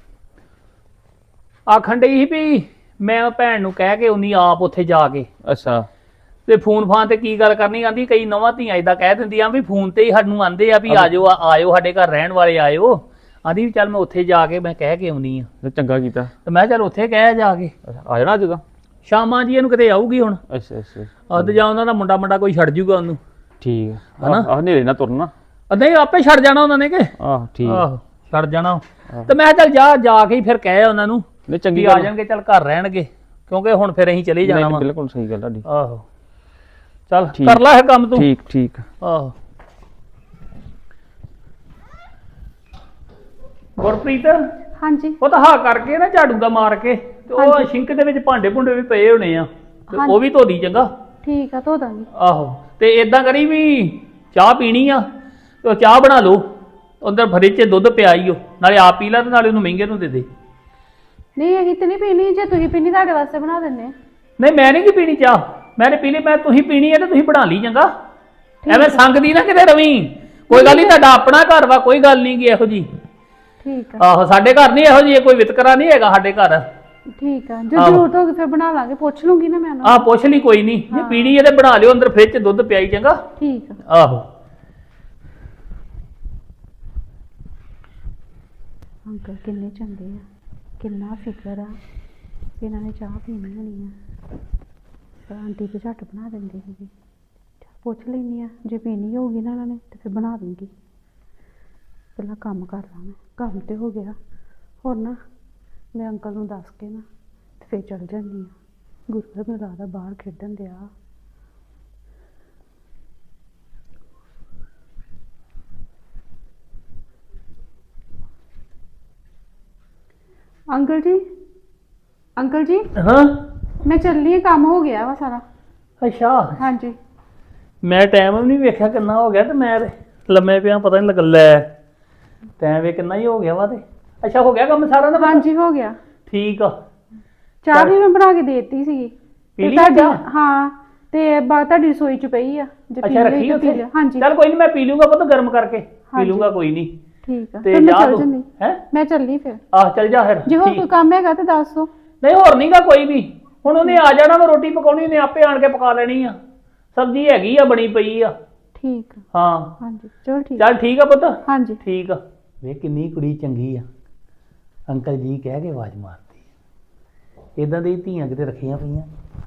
S3: ਆਖਣ ਡਈ ਸੀ ਵੀ ਮੈਂ ਭੈਣ ਨੂੰ ਕਹਿ ਕੇ ਉਨੀ ਆਪ ਉੱਥੇ ਜਾ ਕੇ
S1: ਅੱਛਾ
S3: ਤੇ ਫੋਨ ਫਾਨ ਤੇ ਕੀ ਗੱਲ ਕਰਨੀ ਆਂਦੀ ਕਈ ਨਵਾਂ ਧੀਆਂ ਇਦਾਂ ਕਹਿ ਦਿੰਦੀਆਂ ਵੀ ਫੋਨ ਤੇ ਹੀ ਸਾਨੂੰ ਆਂਦੇ ਆ ਵੀ ਆਜੋ ਆਇਓ ਸਾਡੇ ਘਰ ਰਹਿਣ ਵਾਲੇ ਆਇਓ ਆਂਦੀ ਵੀ ਚੱਲ ਮੈਂ ਉੱਥੇ ਜਾ ਕੇ ਮੈਂ ਕਹਿ ਕੇ ਆਉਣੀ ਆ
S1: ਤੇ ਚੰਗਾ ਕੀਤਾ
S3: ਤੇ ਮੈਂ ਚੱਲ ਉੱਥੇ ਕਹਿ ਜਾ ਕੇ
S1: ਅੱਛਾ, ਆ ਜਾਣਾ ਅੱਜ ਤਾਂ
S3: ਸ਼ਾਮਾਂ ਜੀ ਇਹਨੂੰ ਕਿਤੇ ਆਊਗੀ ਹੁਣ
S1: ਅੱਛਾ ਅੱਛਾ
S3: ਅੱਧ ਜਾਂ ਉਹਨਾਂ ਦਾ ਮੁੰਡਾ ਮੁੰਡਾ ਕੋਈ ਛੱਡ ਜੂਗਾ ਉਹਨੂੰ
S1: ਠੀਕ ਆ
S3: ਹਨਾ?
S1: ਆਹ ਹਨੇਰੇ ਨਾ ਤੁਰਨਾ
S3: ਅੱਧਾ ਹੀ ਆਪੇ ਛੱਡ ਜਾਣਾ ਉਹਨਾਂ ਨੇ ਕਿ
S1: ਆਹ ਠੀਕ ਆ।
S3: ਆਹੋ ਛੱਡ ਜਾਣਾ ਤੇ ਮੈਂ ਕਿਹਾ ਚੱਲ ਜਾ ਜਾ ਕੇ ਹੀ ਫਿਰ ਕਹਿ ਉਹਨਾਂ ਨੂੰ
S1: ਨਹੀਂ
S3: ਵੀ
S1: ਚੰਗੀ
S3: ਆ
S1: ਗੱਲ
S3: ਜਾਣਗੇ ਚੱਲ ਘਰ ਰਹਿਣਗੇ ਕਿਉਂਕਿ ਹੁਣ ਫਿਰ ਅਸੀਂ ਚਲੇ ਜਾਣਾ
S1: ਨਹੀਂ,
S3: ਵਾ।
S1: ਬਿਲਕੁਲ ਸਹੀ ਗੱਲ ਤੁਹਾਡੀ।
S3: ਆਹੋ ਚੱਲ
S1: ਠੀਕ।
S3: ਕਰ ਲੈ ਇਹ ਕੰਮ ਤੂੰ।
S1: ਠੀਕ ਠੀਕ।
S3: ਆਹੋ ਗੁਰਪ੍ਰੀਤ
S2: ਹਾਂਜੀ
S3: ਉਹ ਤਾਂ ਹਾਂ ਕਰਕੇ ਨਾ ਝਾੜੂ ਦਾ ਮਾਰ ਕੇ ਤੇ ਉਹ
S2: ਹਾਂਜੀ।
S3: ਸ਼ਿੰਕ ਦੇ ਵਿੱਚ ਭਾਂਡੇ ਭੁੰਡੇ ਵੀ ਪਏ ਹੋਣੇ ਆ ਤੇ
S2: ਹਾਂਜੀ।
S3: ਉਹ ਵੀ ਧੋ ਦੀ ਚੰਗਾ।
S2: ਠੀਕ ਆ, ਧੋ ਦਾਂਗੀ।
S3: ਆਹੋ ਤੇ ਇਦਾਂ ਕਰੀ ਵੀ ਚਾਹ ਪੀਣੀ ਆ ਤੇ ਉਹ ਚਾਹ ਬਣਾ ਲਓ, ਅੰਦਰ ਫਰਿੱਜ 'ਚ ਦੁੱਧ ਪਿਆ ਈ ਓ, ਨਾਲੇ ਆਪ ਪੀ ਲੈ ਤੇ ਨਾਲੇ ਉਹਨੂੰ ਮਹਿੰਗੇ ਨੂੰ ਦੇ ਦੇ।
S2: ਨਹੀਂ ਅਸੀਂ ਤੇ ਨਹੀਂ ਪੀਣੀ, ਜੇ ਤੁਸੀਂ ਪੀਣੀ ਤੁਹਾਡੇ ਵਾਸਤੇ ਬਣਾ ਦਿੰਨੇ।
S3: ਨਹੀਂ ਮੈਂ ਨਹੀਂ ਕੀ ਪੀਣੀ ਚਾਹ, ਮੈਂ ਨੇ ਪੀ ਲਈ। ਮੈਂ ਤੁਸੀਂ ਪੀਣੀ ਹੈ ਤੇ ਤੁਸੀਂ ਬਣਾ ਲਈ ਚੰਗਾ। ਐਵੇਂ ਸੰਗਦੀ ਨਾ ਕਿਤੇ ਰਵੀ। ਕੋਈ ਗੱਲ ਨਹੀਂ, ਤੁਹਾਡਾ ਆਪਣਾ ਘਰ ਵਾ, ਕੋਈ ਗੱਲ ਨਹੀਂ ਗੀ ਇਹੋ ਜੀ।
S2: ਠੀਕ ਆ।
S3: ਆਹੋ ਸਾਡੇ ਘਰ ਨਹੀਂ ਇਹੋ ਜੀ, ਕੋਈ ਵਿਤਕਰਾ ਨਹੀਂ ਹੈਗਾ ਸਾਡੇ ਘਰ।
S2: ਠੀਕ ਆ, ਜੇ ਜ਼ਰੂਰਤ ਹੋਗੀ ਫਿਰ ਬਣਾ ਲਾਂਗੇ, ਪੁੱਛ ਲੂੰਗੀ ਨਾ ਮੈਂ ਉਹਨੂੰ।
S3: ਆਹ ਪੁੱਛ ਲਈ, ਕੋਈ ਨਹੀਂ। ਜੇ ਪੀਣੀ ਹੈ ਤੇ ਬਣਾ ਲਿਓ, ਅੰਦਰ ਫ੍ਰਿਜ 'ਚ ਦੁੱਧ ਪਿਆ ਈ ਚੰਗਾ।
S2: ਠੀਕ ਆ।
S3: ਆਹੋ
S2: ਅੰਕਲ ਕਿੰਨੇ ਚੰਗੇ ਆ, ਕਿੰਨਾ ਫਿਕਰ ਆ ਕਿ ਇਹਨਾਂ ਨੇ ਚਾਹ ਪੀਣੀ ਹੋਣੀ ਆ। ਪਰ ਆਂਟੀ ਤੇ ਝੱਟ ਬਣਾ ਦਿੰਦੀ ਸੀਗੀ। ਪੁੱਛ ਲੈਂਦੀ ਆ, ਜੇ ਪੀਣੀ ਹੋਊਗੀ ਨਾ ਇਹਨਾਂ ਨੇ ਤੇ ਫਿਰ ਬਣਾ ਦੂੰਗੀ। ਪਹਿਲਾਂ ਕੰਮ ਕਰ ਲਾਂ, ਮੈਂ ਕੰਮ ਤੇ ਹੋ ਗਿਆ। ਹੁਣ ਨਾ ਮੈਂ ਅੰਕਲ ਨੂੰ ਦੱਸ ਕੇ ਨਾ ਤੇ ਫਿਰ ਚਲ ਜਾਂਦੀ ਆ। ਗੁਰੂ ਮੈਨੂੰ ਲੱਗਦਾ ਬਾਹਰ ਖੇਡਣ ਦਿਆ। ਅੰਕਲ ਜੀ, ਅੰਕਲ ਜੀ
S3: ਹਾਂ
S2: ਮੈਂ ਚੱਲੀ ਆ, ਕੰਮ ਹੋ ਗਿਆ ਵਾ ਸਾਰਾ।
S3: ਅੱਛਾ,
S2: ਹਾਂਜੀ
S3: ਮੈਂ ਟਾਈਮ ਵੀ ਨਹੀਂ ਵੇਖਿਆ ਕਿੰਨਾ ਹੋ ਗਿਆ ਤੇ ਮੈਂ ਤੇ ਲੰਮੇ ਪਿਆ, ਪਤਾ ਨਹੀਂ ਲੱਗਾ। ਲੈ ਟਾਈਮ ਵੇ ਕਿੰਨਾ ਹੀ ਹੋ ਗਿਆ ਵਾ ਤੇ। ਅੱਛਾ ਹੋ ਗਿਆ ਕੰਮ ਸਾਰਾ ਨਾ?
S2: ਹਾਂਜੀ ਹੋ ਗਿਆ।
S3: ਠੀਕ ਆ।
S2: ਚਾਹ ਵੀ ਮੈਂ ਬਣਾ ਕੇ ਦੇਤੀ ਸੀਗੀ
S3: ਪੀ
S2: ਤੇ
S3: ਲਈ
S2: ਤੁਹਾਡੀ।
S3: ਚਾਹ?
S2: ਹਾਂ ਤੇ ਬਾਅਦ ਤੁਹਾਡੀ ਰਸੋਈ ਚ ਪਈ ਆ, ਜੇ
S3: ਅੱਛਾ ਰੱਖੀ
S2: ਪੀ
S3: ਉੱਥੇ?
S2: ਲਿਓ। ਹਾਂਜੀ
S3: ਚੱਲ ਕੋਈ ਨਹੀਂ, ਮੈਂ ਪੀ ਲੂੰਗਾ ਪੁੱਤ ਗਰਮ ਕਰਕੇ, ਪੀ
S2: ਹਾਂਜੀ।
S3: ਲੂੰਗਾ ਕੋਈ ਨਹੀਂ।
S2: ਠੀਕ ਆ,
S3: ਤੇ
S2: ਫਿਰ ਮੈਂ
S3: ਜਾ
S2: ਚੱਲ
S3: ਤੂੰ
S2: ਜੰਨੀ।
S3: ਹੈ।
S2: ਮੈਂ ਚੱਲੀ ਫਿਰ।
S3: ਆਹ ਚੱਲ ਜਾ ਫਿਰ।
S2: ਜੇ ਹੋਰ
S3: ਠੀਕ।
S2: ਕੋਈ ਕੰਮ ਹੈਗਾ ਤੇ ਦੱਸ ਦਿਓ।
S3: ਨਹੀਂ ਹੋਰ ਨਹੀਂਗਾ ਕੋਈ ਵੀ। ਹੁਣ ਉਹਨੇ ਆ ਜਾਣਾ, ਮੈਂ ਰੋਟੀ ਪਕਾਉਣੀ, ਉਹਨੇ ਆਪੇ ਆਣ ਕੇ ਪਕਾ ਲੈਣੀ ਆ। ਸਬਜ਼ੀ ਹੈਗੀ ਆ, ਬਣੀ ਪਈ ਆ।
S2: ਠੀਕ ਆ।
S3: ਹਾਂ
S2: ਹਾਂਜੀ ਚਲੋ ਠੀਕ।
S3: ਚੱਲ ਠੀਕ ਆ ਪੁੱਤ।
S2: ਹਾਂਜੀ
S3: ਠੀਕ ਆ। ਵੇਖ ਕਿੰਨੀ ਕੁੜੀ ਚੰਗੀ ਆ, ਅੰਕਲ ਜੀ ਕਹਿ ਕੇ ਆਵਾਜ਼ ਮਾਰਦੀ ਆ। ਇਦਾਂ ਦੀ ਧੀਆਂ ਕਿਤੇ ਰੱਖੀਆਂ ਪਈਆਂ।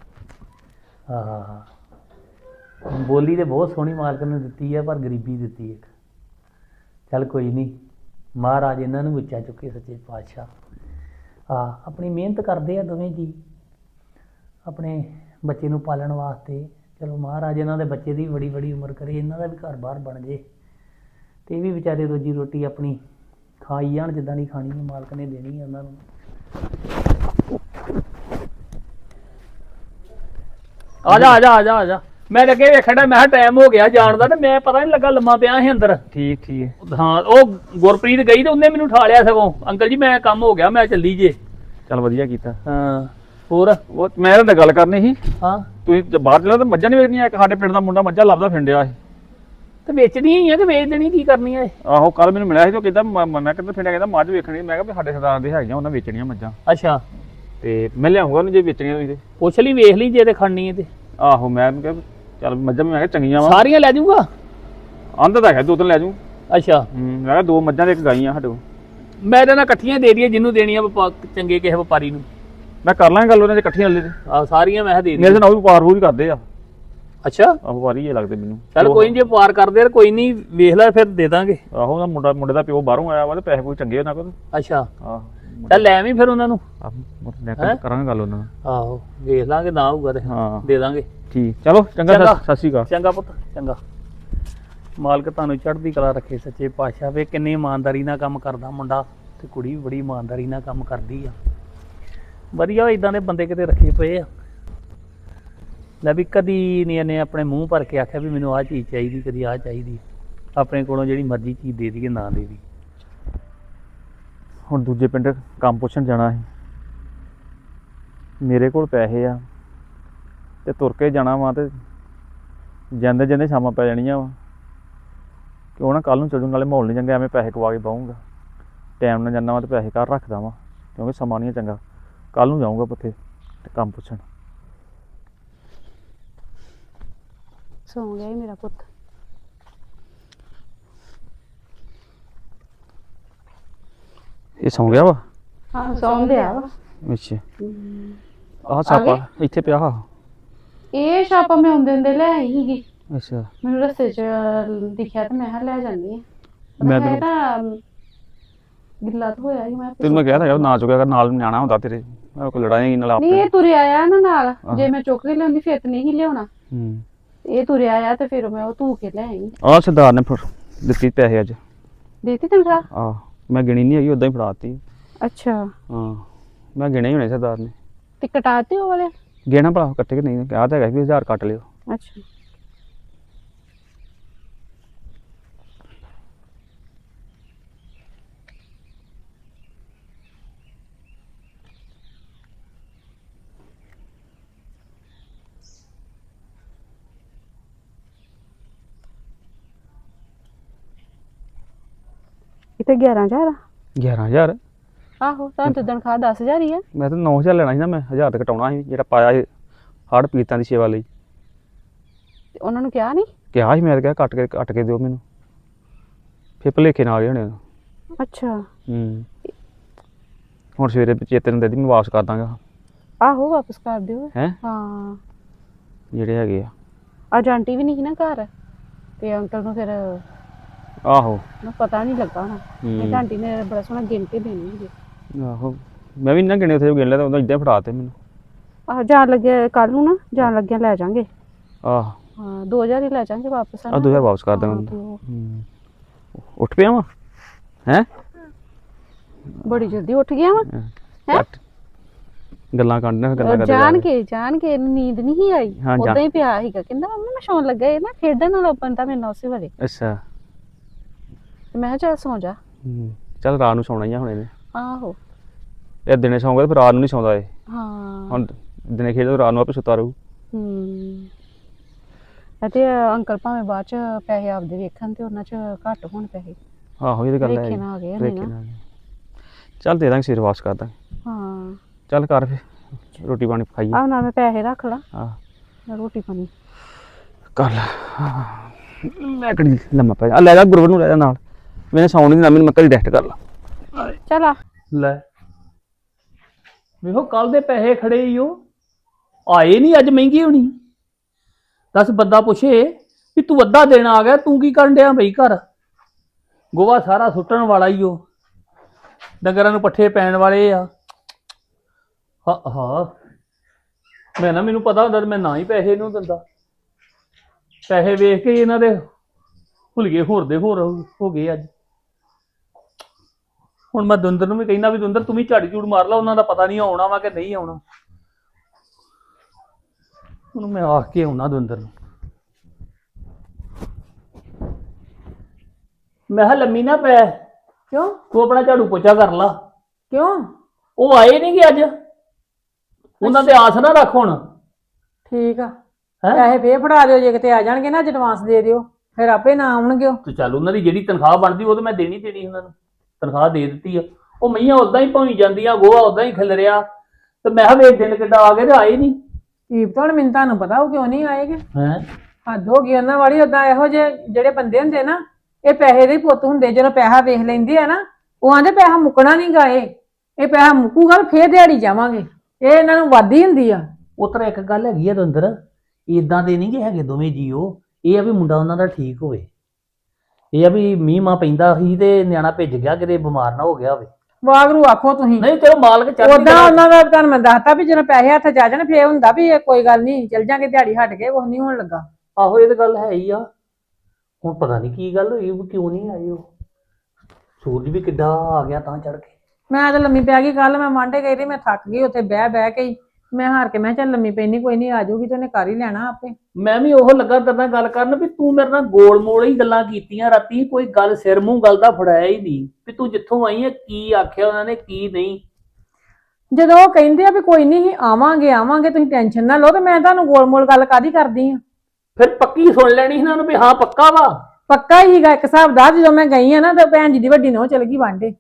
S3: ਹਾਂ ਬੋਲੀ ਤੇ ਬਹੁਤ ਸੋਹਣੀ ਮਾਲਕ ਨੇ ਦਿੱਤੀ ਆ, ਪਰ ਗਰੀਬੀ ਦਿੱਤੀ ਇੱਕ। ਚੱਲ ਕੋਈ ਨਹੀਂ, ਮਹਾਰਾਜ ਇਹਨਾਂ ਨੂੰ ਉੱਚਾ ਚੁੱਕੇ ਸੱਚੇ ਪਾਤਸ਼ਾਹ। ਹਾਂ ਆਪਣੀ ਮਿਹਨਤ ਕਰਦੇ ਆ ਦੋਵੇਂ ਜੀ ਆਪਣੇ ਬੱਚੇ ਨੂੰ ਪਾਲਣ ਵਾਸਤੇ। ਚਲੋ ਮਹਾਰਾਜ ਇਹਨਾਂ ਦੇ ਬੱਚੇ ਦੀ ਬੜੀ ਬੜੀ ਉਮਰ ਕਰੇ, ਇਹਨਾਂ ਦਾ ਵੀ ਘਰ ਬਾਹਰ ਬਣ ਜੇ ਤੇ ਇਹ ਵੀ ਵਿਚਾਰੇ ਰੋਜੀ ਰੋਟੀ ਆਪਣੀ ਖਾਈ ਜਾਣ, ਜਿੱਦਾਂ ਦੀ ਖਾਣੀ ਹੈ ਮਾਲਕ ਨੇ ਦੇਣੀ ਹੈ ਉਹਨਾਂ ਨੂੰ। ਆ ਜਾ ਆ ਜਾ ਆ ਜਾ ਆ ਜਾ। ਮੈਂ ਲੱਗੇ ਵੇਖਣਾ, ਮੈਂ ਕਿਹਾ ਟਾਈਮ ਹੋ ਗਿਆ ਜਾਣ ਦਾ ਤੇ ਮੈਂ ਪਤਾ ਨਹੀਂ ਲੱਗਾ, ਲੰਮਾ ਪਿਆ ਸੀ ਅੰਦਰ।
S1: ਠੀਕ ਠੀਕ।
S3: ਹਾਂ ਉਹ ਗੁਰਪ੍ਰੀਤ ਗਈ ਤੇ ਉਹਨੇ ਮੈਨੂੰ ਠਾ ਲਿਆ ਸਗੋਂ। ਅੰਕਲ ਜੀ ਮੈਂ ਕੰਮ ਹੋ ਗਿਆ, ਮੈਂ ਚੱਲੀ ਜੇ।
S1: ਚੱਲ ਵਧੀਆ ਕੀਤਾ।
S3: ਹਾਂ ਹੋਰ?
S1: ਉਹ ਮੈਂ ਇਹਨਾਂ ਨਾਲ ਗੱਲ ਕਰਨੀ ਸੀ।
S3: ਹਾਂ
S1: ਤੁਸੀਂ ਜੇ ਬਾਹਰ ਚਲਾ ਤਾਂ ਮੱਝਾਂ ਨਹੀਂ ਵੇਚਣੀਆਂ? ਇੱਕ ਸਾਡੇ ਪਿੰਡ ਦਾ ਮੁੰਡਾ ਮੱਝਾਂ ਲੱਭਦਾ ਫਿਰਦਿਆ ਸੀ।
S3: ਤੇ ਵੇਚਣੀਆਂ ਹੀ ਆ, ਤੇ ਵੇਚ ਦੇਣੀ ਕੀ ਕਰਨੀ ਆ ਇਹ?
S1: ਆਹੋ ਕੱਲ ਮੈਨੂੰ ਮਿਲਿਆ ਸੀ ਤੇ ਉਹ ਕਹਿੰਦਾ ਮ- ਮੈਂ ਕਿੱਧਰ ਫਿਰਦਿਆ, ਕਹਿੰਦਾ ਮੱਝ ਵੇਖਣੀ। ਮੈਂ ਕਿਹਾ ਵੀ ਸਾਡੇ ਸਰਦਾਰ ਦੇ ਹੈਗੀਆਂ, ਉਹਨਾਂ ਵੇਚਣੀਆਂ ਮੱਝਾਂ
S3: ਅੱਛਾ
S1: ਤੇ ਮੈਂ ਲਿਆਉਂਗਾ ਉਹਨੂੰ ਜੇ ਵੇਚਣੀਆਂ ਹੋਈ ਤੇ।
S3: ਪੁੱਛ ਲਈ, ਵੇਖ ਲਈ ਜੇ ਤੇ ਖੜਨੀ ਹੈ ਤੇ।
S1: ਆਹੋ ਮੈਂ ਉਹਨੂੰ ਕਿਹਾ ਵੀ ਚੱਲ ਮੱਝਾਂ ਮੈਂ ਕਿਹਾ ਚੰਗੀਆਂ ਵਾ।
S3: ਸਾਰੀਆਂ ਲੈ ਜਾਊਗਾ?
S1: ਆਂਦਾ ਤਾਂ ਹੈ ਦੋ ਤਿੰਨ ਲੈ ਜੂ।
S3: ਅੱਛਾ
S1: ਹੂੰ ਮੈਂ ਕਿਹਾ ਦੋ ਮੱਝਾਂ ਤੇ ਇੱਕ ਗਾਈਆਂ ਸਾਡੇ ਕੋਲ।
S3: ਮੈਂ ਇਹਦੇ ਨਾਲ ਇਕੱਠੀਆਂ ਦੇ ਦਈਏ, ਜਿਹਨੂੰ ਦੇਣੀਆਂ ਵਪਾ- ਚੰਗੇ ਕਿਸੇ ਵਪਾਰੀ ਨੂੰ।
S1: ਮੈਂ ਕਰ ਲਾਂਗਾ ਗੱਲ ਉਹਨਾਂ ਦੇ ਇਕੱਠੀਆਂ ਲੈ ਤੇ।
S3: ਆਹ ਸਾਰੀਆਂ ਮੈਂ ਕਿਹਾ ਦੇ
S1: ਮੇਰੇ
S3: ਦੀ।
S1: ਨਾਲ ਉਹ ਵੀ ਵਪਾਰ ਵੂਰ ਕਰਦੇ ਆ।
S3: ਅੱਛਾ
S1: ਆਹ ਵਪਾਰੀ ਜੇ ਲੱਗਦੇ ਮੈਨੂੰ।
S3: ਚੱਲ ਕੋਈ ਨੀ, ਜੇ ਵਪਾਰ ਕਰਦੇ ਆ ਕੋਈ ਨਹੀਂ, ਵੇਖ ਲੈ ਫਿਰ ਦੇ ਦਾਂਗੇ।
S1: ਆਹੋ ਉਹਦਾ ਮੁੰਡਾ ਮੁੰਡੇ ਦਾ ਪਿਓ ਬਾਹਰੋਂ ਆਇਆ ਵਾ ਤੇ ਪੈਸੇ ਕੋਈ ਚੰਗੇ ਉਹਨਾਂ ਕੋਲ।
S3: ਅੱਛਾ
S1: ਆਹ
S3: ਚੱਲ ਲੈ ਆਵੀਂ ਫਿਰ ਉਹਨਾਂ ਨੂੰ।
S1: ਆਹ ਮੈਂ ਕਰਾਂਗਾ ਗੱਲ ਉਹਨਾਂ ਨਾਲ।
S3: ਆਹੋ ਵੇਖ ਲਾਂਗੇ, ਨਾ ਹੋਊਗਾ ਤੇ
S1: ਹਾਂ
S3: ਦੇ ਦਾਂਗੇ।
S1: ਠੀਕ ਚਲੋ ਚੰਗਾ।
S3: ਚੰਗਾ।
S1: ਸਤਿ ਸ਼੍ਰੀ ਅਕਾਲ।
S3: ਚੰਗਾ ਪੁੱਤ ਚੰਗਾ। ਮਾਲਕ ਤੁਹਾਨੂੰ ਚੜ੍ਹਦੀ ਕਲਾ ਰੱਖੇ ਸੱਚੇ ਪਾਤਸ਼ਾਹ। ਵੇ ਕਿੰਨੀ ਇਮਾਨਦਾਰੀ ਨਾਲ ਕੰਮ ਕਰਦਾ ਮੁੰਡਾ, ਤੇ ਕੁੜੀ ਵੀ ਬੜੀ ਇਮਾਨਦਾਰੀ ਨਾਲ ਕੰਮ ਕਰਦੀ ਆ। ਵਧੀਆ ਇਦਾਂ ਦੇ ਬੰਦੇ ਕਿਤੇ ਰੱਖੇ ਪਏ ਆ। ਲੈ ਵੀ ਕਦੀ ਨਹੀਂ ਇਹਨੇ ਆਪਣੇ ਮੂੰਹ ਭਰ ਕੇ ਆਖਿਆ ਵੀ ਮੈਨੂੰ ਆਹ ਚੀਜ਼ ਚਾਹੀਦੀ, ਕਦੀ ਆਹ ਚਾਹੀਦੀ। ਆਪਣੇ ਕੋਲੋਂ ਜਿਹੜੀ ਮਰਜ਼ੀ ਚੀਜ਼ ਦੇ ਦਈਏ, ਨਾ ਦੇ ਦੀ।
S1: ਹੁਣ ਦੂਜੇ ਪਿੰਡ ਕੰਮ ਪੁੱਛਣ ਜਾਣਾ ਸੀ। ਮੇਰੇ ਕੋਲ ਪੈਸੇ ਆ ਤੇ ਤੁਰ ਕੇ ਜਾਣਾ ਵਾ ਤੇ ਜਾਂਦੇ ਜਾਂਦੇ ਸ਼ਾਮਾਂ ਪੈ ਜਾਣੀਆਂ ਵਾ। ਕਿਉਂ ਨਾ ਕੱਲ ਨੂੰ ਚੱਲੂ, ਨਾਲੇ ਮਾਹੌਲ ਨਹੀਂ ਚੰਗਾ, ਐਵੇਂ ਪੈਸੇ ਕਵਾ ਕੇ ਪਾਊਂਗਾ। ਟਾਈਮ ਨਾਲ ਜਾਂਦਾ ਵਾ ਤੇ ਪੈਸੇ ਘਰ ਰੱਖਦਾ ਵਾ, ਕਿਉਂਕਿ ਸਮਾਂ ਨਹੀਂ ਚੰਗਾ। ਕੱਲ ਨੂੰ ਜਾਊਂਗਾ ਪੱਥੇ ਤੇ ਕੰਮ ਪੁੱਛਣ।
S2: ਸੌਂ ਗਿਆ ਹੀ ਮੇਰਾ ਪੁੱਤ।
S1: ਇਹ ਸੌਂ ਗਿਆ ਵਾ?
S2: ਹਾਂ ਸੌਂ ਗਿਆ ਵਾ।
S1: ਅੱਛਾ ਆਹ ਛਾਪਾ ਇੱਥੇ ਪਿਆ। ਹਾਂ
S2: ਇਹ ਛਾਪਾ ਮੈਂ ਆਉਂਦੇ ਹੁੰਦੇ ਲੈ ਆਈ ਸੀਗੀ,
S1: ਅੱਛਾ
S2: ਮੈਨੂੰ ਰਸਤੇ 'ਚ ਦਿਖਿਆ ਤੇ ਮੈਂ ਕਿਹਾ ਲੈ ਜਾਂਦੀ ਹਾਂ।
S1: ਮੈਂ
S2: ਮੈਂ
S1: ਤੈਨੂੰ
S2: ਤਾਂ ਗਿੱਲਾ ਤਾਂ ਹੋਇਆ ਸੀ ਮੈਂ
S1: ਤੈਨੂੰ ਮੈਂ ਕਿਹਾ ਤਾਂ ਨਾ ਚੁੱਕਿਆ ਕਰ, ਨਾਲ ਨਿਆਣਾ ਹੁੰਦਾ ਤੇਰੇ, ਮੈਂ ਕੋਈ ਲੜਾਈ ਨਾਲ
S2: ਨਹੀਂ
S1: ਆਪੇ।
S2: ਇਹ ਤੁਰਿਆ ਆ ਨਾ ਨਾਲ, ਜੇ ਮੈਂ ਚੁੱਕ ਕੇ ਲਿਆਉਂਦੀ ਫਿਰ ਤਾਂ ਨਹੀਂ ਲਿਆਉਣਾ।
S1: ਹੂੰ
S2: ਇਹ ਤੁਰਿਆ ਆ ਤੇ ਫਿਰ ਮੈਂ ਉਹ ਧੂ ਕੇ ਲੈ ਆਈ।
S1: ਆਹ ਸਰਦਾਰ ਨੇ ਫਿਰ ਦਿੱਤੀ ਪੈਸੇ ਅੱਜ।
S2: ਦੇਤੀ ਤਨਖਾਹ?
S1: ਆਹ ਮੈਂ ਗਿਣੀ ਨਹੀਂ ਹੈਗੀ, ਉਦਾਂ ਹੀ ਫੜਾਤੀ।
S2: ਅੱਛਾ
S1: ਹਾਂ ਮੈਂ ਗਿਣੇ ਹੀ ਹੋਣੇ ਸਰਦਾਰ ਨੇ।
S2: ਤੇ ਕਟਾਤੇ ਉਹ ਵਾਲੇ?
S1: ਗਿਣਾ ਭਲਾ ਕੱਟੇ ਕਿ ਨਹੀਂ, ਕਿਹਾ ਤਾਂ ਹੈਗਾ ਵੀ ਹਜ਼ਾਰ ਕੱਟ ਲਿਓ।
S2: ਅੱਛਾ ਤੇ ਗਿਆਰਾਂ ਹਜ਼ਾਰ?
S1: ਗਿਆਰਾਂ ਹਜ਼ਾਰ?
S2: ਆਹੋ ਤਾਂ ਤੇ ਤਨਖਾਹ ਦਸ ਹਜ਼ਾਰ ਹੀ ਆ।
S1: ਮੈਂ ਤਾਂ ਨੌ ਹਜ਼ਾਰ ਲੈਣਾ ਸੀ ਨਾ, ਮੈਂ ਹਜ਼ਾਰ ਤੇ ਕਟਾਉਣਾ ਸੀ ਜਿਹੜਾ ਪਾਇਆ ਸੀ ਹੜ੍ਹ ਪੀੜਤਾਂ ਦੀ ਸੇਵਾ ਲਈ।
S2: ਤੇ ਉਹਨਾਂ ਨੂੰ ਕਿਹਾ ਨਹੀਂ?
S1: ਕਿਹਾ ਸੀ ਮੈਂ ਤਾਂ ਕਿਹਾ ਕੱਟ ਕੇ ਕੱਟ ਕੇ ਦਿਓ ਮੈਨੂੰ, ਫਿਰ ਭੁਲੇਖੇ ਨਾਲ ਆ ਗਏ ਹੋਣੇ।
S2: ਅੱਛਾ
S1: ਹੂੰ ਹੁਣ ਸਵੇਰੇ ਚੇਤੇ ਨੂੰ ਦੇ ਦੀ, ਮੈਂ ਵਾਪਸ ਕਰ ਦਾਂਗਾ।
S2: ਆਹੋ ਵਾਪਸ ਕਰ ਦਿਓ।
S1: ਹੈ
S2: ਹਾਂ
S1: ਜਿਹੜੇ ਹੈਗੇ ਆ।
S2: ਅੱਜ ਆਂਟੀ ਵੀ ਨਹੀਂ ਸੀ ਨਾ ਘਰ ਤੇ ਅੰਕਲ ਨੂੰ ਫਿਰ
S1: ਆਹੋ
S2: ਨੂੰ ਪਤਾ ਨਹੀਂ ਲੱਗਾ ਹੋਣਾ। ਇਹ ਆਂਟੀ ਨੇ ਬੜਾ ਸੋਹਣਾ ਗਿਣ ਕੇ ਦੇਣੀ ਸੀ।
S1: ਆਹੋ ਮੈਂ ਵੀ ਨਾ ਗਿਣੇ ਉੱਥੇ ਗਿਣ ਲਿਆ ਤਾਂ ਉਦੋਂ ਇੱਦਾਂ ਫੜਾ ਤੇ ਮੈਨੂੰ।
S2: ਆਹ ਜਾਣ ਲੱਗਿਆ ਕੱਲ ਨੂੰ ਨਾ, ਜਾਣ ਲੱਗਿਆ ਲੈ ਜਾਾਂਗੇ।
S1: ਆਹ
S2: ਹਾਂ ਦੋ ਹਜ਼ਾਰ ਹੀ ਲੈ ਜਾਾਂਗੇ ਵਾਪਸ।
S1: ਆ ਦੋ ਹਜ਼ਾਰ ਵਾਪਸ ਕਰ ਦਾਂਗਾ। ਹੂੰ ਉੱਠ ਪਿਆ ਵਾ ਹੈ?
S2: ਬੜੀ ਜਲਦੀ ਉੱਠ ਗਿਆ ਵਾ ਹੈ?
S1: ਗੱਲਾਂ ਕਰਨੀਆਂ ਗੱਲਾਂ ਕਰਦੇ
S2: ਜਾਣ ਕੇ ਜਾਣ ਕੇ ਨੀਂਦ ਨਹੀਂ ਆਈ, ਉਦਾਂ ਹੀ ਪਿਆ ਸੀਗਾ। ਕਹਿੰਦਾ ਮੰਮੀ ਮੈਂ ਸੌਣ ਲੱਗਾ, ਇਹ ਨਾ ਖੇਡਣ ਨਾਲ ਬੰਦਾ ਮੇਰੇ ਨਾਲ ਉਸੇ ਵੇਲੇ।
S1: ਅੱਛਾ
S2: ਤੇ ਮੈਂ ਕਿਹਾ ਚੱਲ ਸੌਂ ਜਾ।
S1: ਹੂੰ ਚੱਲ ਰਾਤ ਨੂੰ ਸੌਣਾ ਹੀ ਆ ਹੁਣ ਇਹਨੇ।
S2: ਆਹੋ
S1: ਇਹ ਦਿਨੇ ਸੌਂਗਾ ਤੇ ਫਿਰ ਰਾਤ ਨੂੰ ਨਹੀਂ ਸੌਂਦਾ ਇਹ।
S2: ਹਾਂ
S1: ਹੁਣ ਦਿਨੇ ਖੇਡਦਾ ਰਾਤ ਨੂੰ ਆਪੇ ਸੁੱਤਾ ਰਹੂ।
S2: ਹੂੰ ਅਤੇ ਅੰਕਲ ਭਾਵੇਂ ਬਾਅਦ ਚ ਪੈਸੇ ਆਪਦੇ ਵੇਖਣ ਤੇ ਉਹਨਾਂ ਚ ਘੱਟ ਹੋਣ ਪੈਸੇ।
S1: ਆਹੋ ਇਹ ਤਾਂ ਗੱਲ ਹੈ।
S2: ਵੇਖੇ ਨਾ ਆ ਗਏ ਨੇ ਨਾ।
S1: ਚੱਲ ਦੇ ਦਾਂਗੇ, ਸਿਰ ਵਾਪਸ ਕਰ ਦਾਂਗੇ।
S2: ਹਾਂ
S1: ਚੱਲ ਕਰ ਫਿਰ ਰੋਟੀ ਪਾਣੀ ਖਾਈਏ।
S2: ਆਹ ਨਾ ਮੈਂ ਪੈਸੇ ਰੱਖ ਲਾ,
S1: ਆਹ
S2: ਰੋਟੀ ਪਾਣੀ
S1: ਕਰ ਲੈ। ਮੈਂ ਕਿਹੜੀ ਲੰਮਾ ਪੈ ਜਾ, ਲੈ ਜਾ ਗੁਰਵਰ ਨੂੰ ਲੈ ਜਾ ਨਾਲ, ਮੈਨੇ ਸੌਣ ਨਹੀਂ ਦੇਣਾ, ਮੈਨੂੰ ਮੈਂ ਘਰੀ ਰੈਸਟ ਕਰ ਲਾ।
S2: ਚੱਲ ਆ
S3: ਲੈ ਵੇਖੋ ਕੱਲ ਦੇ ਪੈਸੇ ਖੜੇ ਹੀ ਉਹ ਆਏ ਨਹੀਂ, ਅੱਜ ਮਹਿੰਗੀ ਹੋਣੀ। ਦੱਸ ਬੰਦਾ ਪੁੱਛੇ ਵੀ ਤੂੰ ਅੱਧਾ ਦਿਨ ਆ ਗਿਆ, ਤੂੰ ਕੀ ਕਰਨ ਡਿਆ ਬਈ ਘਰ? ਗੋਹਾ ਸਾਰਾ ਸੁੱਟਣ ਵਾਲਾ ਹੀ ਉਹ, ਡੰਗਰਾਂ ਨੂੰ ਪੱਠੇ ਪੈਣ ਵਾਲੇ ਆ। ਹਾਂ ਹਾਂ ਮੈਂ ਨਾ, ਮੈਨੂੰ ਪਤਾ ਹੁੰਦਾ ਮੈਂ ਨਾ ਹੀ ਪੈਸੇ ਇਹਨੂੰ ਦਿੰਦਾ। ਪੈਸੇ ਵੇਖ ਕੇ ਇਹਨਾਂ ਦੇ ਭੁਲਗੇ ਹੋਰ ਦੇ ਹੋਰ ਹੋ ਗਏ ਅੱਜ। ਹੁਣ ਮੈਂ ਦੁੰਦਰ ਨੂੰ ਵੀ ਕਹਿੰਦਾ ਵੀ ਦੁੰਦਰ ਤੂੰ ਵੀ ਝਾੜੀ ਝੂੜ ਮਾਰ ਲਾ, ਉਹਨਾਂ ਦਾ ਪਤਾ ਨਹੀਂ ਆਉਣਾ ਵਾ ਕਿ ਨਹੀਂ ਆਉਣਾ। ਉਹਨੂੰ ਮੈਂ ਆਖ ਕੇ ਆਉਣਾ ਦੁੰਦਰ ਨੂੰ, ਮੈਂ ਕਿਹਾ ਲੰਮੀ ਨਾ ਪੈ।
S2: ਕਿਉਂ?
S3: ਤੂੰ ਆਪਣਾ ਝਾੜੂ ਪੋਚਾ ਕਰ ਲਾ।
S2: ਕਿਉਂ?
S3: ਉਹ ਆਏ ਨਹੀਂ ਗੇ ਅੱਜ, ਉਹਨਾਂ ਤੇ ਆਸ ਨਾ ਰੱਖ ਹੁਣ।
S4: ਠੀਕ ਆ,
S3: ਹੈਂ?
S4: ਪੈਸੇ ਫੇਰ ਫੜਾ ਦਿਓ, ਜੇ ਕਿਤੇ ਆ ਜਾਣਗੇ ਨਾ ਐਡਵਾਂਸ ਦੇ ਦਿਓ, ਫਿਰ ਆਪੇ ਨਾ ਆਉਣਗੇ ਉਹ।
S3: ਤੇ ਚੱਲ ਉਹਨਾਂ ਦੀ ਜਿਹੜੀ ਤਨਖਾਹ ਬਣਦੀ ਉਹ ਤਾਂ ਮੈਂ ਦੇਣੀ ਦੇਣੀ ਉਹਨਾਂ ਨੂੰ, ਤਨਖਾਹ ਦੇ ਦਿੱਤੀ ਆ। ਉਹ ਮਈਆਂ ਉਦਾਂ ਹੀ ਭੌਂ ਜਾਂਦੀਆਂ, ਗੋਹਾ ਉਦਾਂ ਹੀ ਖਿਲ ਰਿਹਾ। ਤੇ ਮੈਂ ਕਿਹਾ ਵੇਖ ਦਿਨ ਕਿੱਦਾਂ ਆ ਗਏ ਤੇ ਆਏ ਨਹੀਂ।
S4: ਕੀਪ ਹੁਣ ਮੈਨੂੰ ਤੁਹਾਨੂੰ ਪਤਾ ਉਹ ਕਿਉਂ ਨਹੀਂ ਆਏਗੇ।
S3: ਹੈ
S4: ਹੱਦ ਹੋ ਗਈ ਉਹਨਾਂ ਵਾਲੀ। ਓਦਾਂ ਇਹੋ ਜਿਹੇ ਜਿਹੜੇ ਬੰਦੇ ਹੁੰਦੇ ਨਾ, ਇਹ ਪੈਸੇ ਦੇ ਹੀ ਪੁੱਤ ਹੁੰਦੇ। ਜਦੋਂ ਪੈਸਾ ਵੇਖ ਲੈਂਦੇ ਆ ਨਾ, ਉਹ ਆਂਦੇ ਪੈਸਾ ਮੁੱਕਣਾ ਨਹੀਂ ਗਾਏ, ਇਹ ਪੈਸਾ ਮੁੱਕੂਗਾ ਫੇਰ ਦਿਹਾੜੀ ਜਾਵਾਂਗੇ। ਇਹ ਇਹਨਾਂ ਨੂੰ ਵਾਧੀ ਹੁੰਦੀ ਆ।
S3: ਉਤਰ ਇੱਕ ਗੱਲ ਹੈਗੀ ਆ ਦੁੰਦਰ, ਇਦਾਂ ਦੇ ਨਹੀਂ ਗੇ ਹੈਗੇ ਦੋਵੇਂ ਜੀਓ। ਇਹ ਆ ਵੀ ਮੁੰਡਾ ਉਹਨਾਂ ਦਾ ਠੀਕ ਹੋਵੇ, ਇਹ ਆ ਵੀ ਮੀਂਹ ਮਾਂ ਪੈਂਦਾ ਸੀ ਤੇ ਨਿਆਣਾ ਭਿੱਜ ਗਿਆ, ਕਿਤੇ ਬਿਮਾਰ ਨਾ ਹੋ ਗਿਆ ਹੋਵੇ।
S4: ਵਾਗਰੂ ਆਖੋ ਤੁਸੀਂ।
S3: ਨਹੀਂ ਚਲੋ ਮਾਲਕ ਚੱਲ
S4: ਓਦਾਂ ਉਹਨਾਂ ਦਾ ਤੁਹਾਨੂੰ ਮੈਂ ਦੱਸਤਾ ਵੀ ਜਦੋਂ ਪੈਸੇ ਹੱਥ ਜਾ ਜਾਣ ਫੇਰ ਹੁੰਦਾ ਵੀ ਇਹ ਕੋਈ ਗੱਲ ਨਹੀਂ, ਚੱਲ ਜਾਂਗੇ ਦਿਹਾੜੀ ਹਟ ਕੇ, ਕੁਛ ਨਹੀਂ ਹੋਣ ਲੱਗਾ।
S3: ਆਹੋ ਇਹ ਤਾਂ ਗੱਲ ਹੈ ਹੀ ਆ। ਹੁਣ ਪਤਾ ਨਹੀਂ ਕੀ ਗੱਲ ਹੋਈ, ਕਿਉਂ ਨਹੀਂ ਆਏ ਉਹ। ਸੂਰਜ ਵੀ ਕਿੱਡਾ ਆ ਗਿਆ ਤਾਂ ਚੜ ਕੇ।
S4: ਮੈਂ ਤਾਂ ਲੰਮੀ ਪੈ ਗਈ ਕੱਲ, ਮੈਂ ਮਾਂਡੇ ਗਈ ਤੇ ਮੈਂ ਥੱਕ ਗਈ ਉੱਥੇ ਬਹਿ ਬਹਿ ਕੇ ਹੀ। ਮੈਂ ਹਾਰ ਕੇ ਮੈਂ ਚੱਲ ਲੰਮੀ ਪੈਣੀ, ਕੋਈ ਨਹੀਂ ਆ ਜਾਊਗੀ ਤੇ ਉਹਨੇ ਕਰ ਹੀ ਲੈਣਾ ਆਪੇ।
S3: ਮੈਂ ਵੀ ਉਹ ਲੱਗਾ ਤੇਰੇ ਨਾਲ ਗੱਲ ਕਰਨ ਵੀ ਤੂੰ ਮੇਰੇ ਨਾਲ ਗੋਲ ਮੋਲ ਹੀ ਗੱਲਾਂ ਕੀਤੀਆਂ ਰਾਤੀ, ਕੋਈ ਗੱਲ ਸਿਰ ਮੂੰਹ ਗੱਲ ਦਾ ਫੜਾਇਆ ਹੀ ਨਹੀਂ ਵੀ ਤੂੰ ਜਿੱਥੋਂ ਆਈ ਹੈ ਕੀ ਆਖਿਆ ਉਹਨਾਂ ਨੇ ਕੀ ਨਹੀਂ।
S4: ਜਦੋਂ ਉਹ ਕਹਿੰਦੇ ਆ ਵੀ ਕੋਈ ਨਹੀਂ ਆਵਾਂਗੇ ਆਵਾਂਗੇ, ਤੁਸੀਂ ਟੈਨਸ਼ਨ ਨਾ ਲਓ, ਤੇ ਮੈਂ ਤੁਹਾਨੂੰ ਗੋਲ ਮੋਲ ਗੱਲ ਕਾਦੀ ਕਰਦੀ ਆ।
S3: ਫਿਰ ਪੱਕੀ ਸੁਣ ਲੈਣੀ ਇਹਨਾਂ ਨੂੰ ਵੀ ਹਾਂ ਪੱਕਾ ਵਾ।
S4: ਪੱਕਾ ਹੀਗਾ ਇੱਕ ਹਿਸਾਬ ਦਾ। ਜਦੋਂ ਮੈਂ ਗਈ ਆ ਨਾ ਤਾਂ ਭੈਣ ਜੀ ਦੀ ਵੱਡੀ ਨਹੁੰ ਚਲ ਗਈ ਵਾਂਡੇ,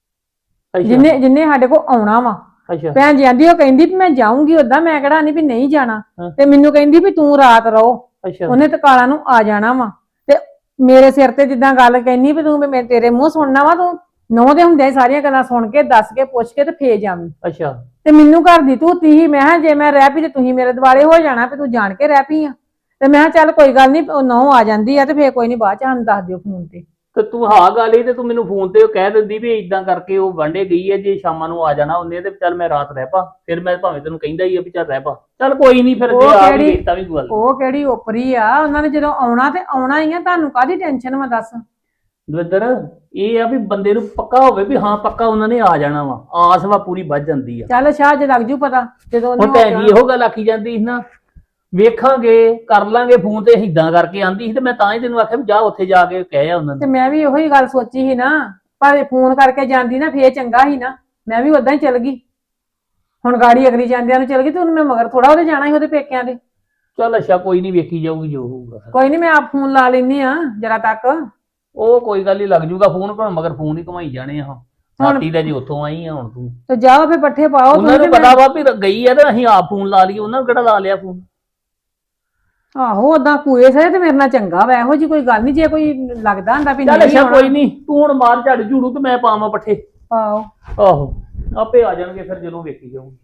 S4: ਜਿੰਨੇ ਜਿੰਨੇ ਸਾਡੇ ਕੋਲ ਆਉਣਾ ਵਾ।
S3: ਅੱਛਾ
S4: ਭੈਣ ਜੀ ਆਂਦੀ, ਉਹ ਕਹਿੰਦੀ ਵੀ ਮੈਂ ਜਾਊਂਗੀ, ਓਦਾਂ ਮੈਂ ਕਿਹੜਾ ਨਹੀਂ ਵੀ ਨਹੀਂ ਜਾਣਾ।
S3: ਹਾਂ।
S4: ਤੇ ਮੈਨੂੰ ਕਹਿੰਦੀ ਵੀ ਤੂੰ ਰਾਤ ਰਹੋ,
S3: ਅੱਛਾ
S4: ਉਹਨੇ ਤੇ ਕਾਲਾ ਨੂੰ ਆ ਜਾਣਾ ਵਾ। ਤੇ ਮੇਰੇ ਸਿਰ ਤੇ ਜਿੱਦਾਂ ਗੱਲ ਕਹਿੰਦੀ ਵੀ ਤੂੰ ਵੀ ਮੈਂ ਤੇਰੇ ਮੂੰਹ ਸੁਣਨਾ ਵਾ, ਤੂੰ ਨਹੁੰ ਦੇ ਹੁੰਦਿਆਂ ਹੀ ਸਾਰੀਆਂ ਗੱਲਾਂ ਸੁਣ ਕੇ ਦੱਸ ਕੇ ਪੁੱਛ ਕੇ ਤੇ ਫੇਰ ਜਾਵੀਂ।
S3: ਅੱਛਾ
S4: ਤੇ ਮੈਨੂੰ ਘਰ ਦੀ ਤੂੰ ਤੀ ਮੈਂ ਕਿਹਾ ਜੇ ਮੈਂ ਰਹਿ ਪਈ ਤੇ ਤੁਸੀਂ ਮੇਰੇ ਦੁਆਲੇ ਹੋ ਜਾਣਾ ਵੀ ਤੂੰ ਜਾਣ ਕੇ ਰਹਿ ਪਈ ਆ। ਤੇ ਮੈਂ ਕਿਹਾ ਚੱਲ ਕੋਈ ਗੱਲ ਨਹੀਂ, ਉਹ ਨਹੁੰ ਆ ਜਾਂਦੀ ਆ ਤੇ ਫੇਰ ਕੋਈ ਨਹੀਂ, ਬਾਅਦ ਚ ਸਾਨੂੰ ਦੱਸ ਦਿਓ ਫੋਨ ਤੇ।
S3: ਤੇ ਤੂੰ ਹਾਂ ਗੱਲ ਹੀ ਤੇ ਤੂੰ ਮੈਨੂੰ ਫੋਨ ਤੇ ਕਹਿ ਦਿੰਦੀ ਵੀ ਇਦਾਂ ਕਰਕੇ ਉਹ ਵਾਂਡੇ ਗਈ ਹੈ, ਜੇ ਸ਼ਾਮਾਂ ਨੂੰ ਆ ਜਾਣਾ ਉਹਨੇ ਤੇ ਚੱਲ ਮੈਂ ਰਾਤ ਰਹਿ ਪਾ, ਫਿਰ ਮੈਂ ਭਾਵੇਂ ਤੈਨੂੰ ਕਹਿੰਦਾ ਹੀ ਆ ਵੀ ਚੱਲ ਰਹਿ ਪਾ, ਚੱਲ ਕੋਈ ਨਹੀਂ, ਫਿਰ ਜੇ
S4: ਉਹ
S3: ਆ ਵੀ
S4: ਕਿਹੜੀ-
S3: ਗਈ ਤਾਂ ਵੀ ਕੋਈ ਗੱਲ ਨੀ।
S4: ਉਹ ਕਿਹੜੀ ਓਪਰੀ ਆ, ਉਹਨਾਂ ਨੇ ਜਦੋਂ ਆਉਣਾ ਤੇ ਆਉਣਾ ਹੀ ਆ, ਤੁਹਾਨੂੰ ਕਾਹਦੀ ਟੈਨਸ਼ਨ ਵਾ ਦੱਸ।
S3: ਦਵਿੰਦਰ ਇਹ ਆ ਵੀ ਬੰਦੇ ਨੂੰ ਪੱਕਾ ਹੋਵੇ ਵੀ ਹਾਂ ਪੱਕਾ ਉਹਨਾਂ ਨੇ ਆ ਜਾਣਾ ਵਾ, ਆਸ ਵਾ ਪੂਰੀ ਵੱਜ ਜਾਂਦੀ ਆ।
S4: ਚੱਲ ਸ਼ਾਹ ਜੇ ਲੱਗ ਜੂ ਪਤਾ ਜਦੋਂ ਉਹਨੇ
S3: ਹੁਣ ਭੈਣ ਜੀ ਇਹੋ ਗੱਲ ਆਖੀ ਜਾਂਦੀ ਸੀ ਨਾ, ਵੇਖਾਂਗੇ ਕਰ ਲਾਂਗੇ ਫੋਨ ਤੇ ਏਦਾਂ ਕਰਕੇ ਆਂਦੀ ਸੀ, ਤੇ ਮੈਂ ਤਾਂ ਹੀ ਤੈਨੂੰ ਆਖਿਆ ਵੀ ਜਾ ਉੱਥੇ ਜਾ ਕੇ ਕਹਿ ਆ ਉਹਨਾਂ
S4: ਤੇ
S3: ਨੂੰ।
S4: ਮੈਂ ਵੀ ਉਹੀ ਗੱਲ ਸੋਚੀ ਸੀ ਨਾ, ਪਰ ਫੋਨ ਕਰਕੇ ਜਾਂਦੀ ਨਾ ਫੇਰ ਚੰਗਾ ਸੀ ਨਾ, ਮੈਂ ਵੀ ਉਦਾਂ ਹੀ ਚਲ ਗਈ। ਹੁਣ ਗਾੜੀ ਅਗਲੀ ਜਾਂਦਿਆਂ ਨੂੰ ਚਲ ਗਈ ਤੇ ਉਹਨੂੰ ਮੈਂ ਮਗਰ ਥੋੜਾ ਉਹਦੇ ਜਾਣਾ ਸੀ ਉਹਦੇ ਪੇਕਿਆਂ ਦੇ।
S3: ਚੱਲ ਅੱਛਾ ਕੋਈ ਨਹੀਂ, ਵੇਖੀ ਜਾਊਗੀ ਜੋ ਹੋਊਗਾ।
S4: ਕੋਈ ਨਹੀਂ, ਮੈਂ ਆਪ ਫੋਨ ਲਾ ਲੈਨੀ ਆ ਜਰਾ ਤੱਕ।
S3: ਉਹ ਕੋਈ ਗੱਲ ਨਹੀਂ, ਲੱਗ ਜੂਗਾ ਫੋਨ, ਪਰ ਮਗਰ ਫੋਨ ਹੀ ਘਮਾਈ ਜਾਣੇ ਆ। ਸਾਟੀ ਦਾ ਜੀ ਉੱਥੋਂ ਆਈ ਆ ਹੁਣ ਤੂੰ,
S4: ਤੇ ਜਾਓ ਫੇ ਪੱਠੇ ਪਾਓ।
S3: ਉਹਨਾਂ ਨੂੰ
S4: ਤੁਸੀਂ
S3: ਪਤਾ ਵਾ ਵੀ ਗਈ ਆ ਤੇ ਅਸੀਂ ਆਪ ਫੋਨ ਲਾ ਲਈਏ, ਉਹਨਾਂ ਨੂੰ ਕਿਹੜਾ ਲਾ ਲਿਆ ਫੋਨ।
S4: ਆਹੋ ਓਦਾਂ ਕੂਏ ਸੇ ਤੇ ਮੇਰੇ ਨਾਲ ਚੰਗਾ ਵਾ, ਇਹੋ ਜੀ ਕੋਈ ਗੱਲ ਨਹੀਂ। ਜੇ ਕੋਈ ਲੱਗਦਾ ਹੁੰਦਾ ਵੀ
S3: ਚੱਲ
S4: ਨਹੀਂ
S3: ਅੱਛਾ
S4: ਆਉਣਾ,
S3: ਕੋਈ ਨਹੀਂ, ਤੂੰ ਹੁਣ ਮਾਰ ਝੜ ਝੂੜੂ ਤੇ ਮੈਂ ਪਾਵਾਂ ਪੱਠੇ।
S4: ਪਾਓ।
S3: ਆਹੋ ਆਪੇ ਆ ਜਾਣਗੇ ਫਿਰ ਜਦੋਂ ਵੇਖੀ ਜਾਊਗੀ।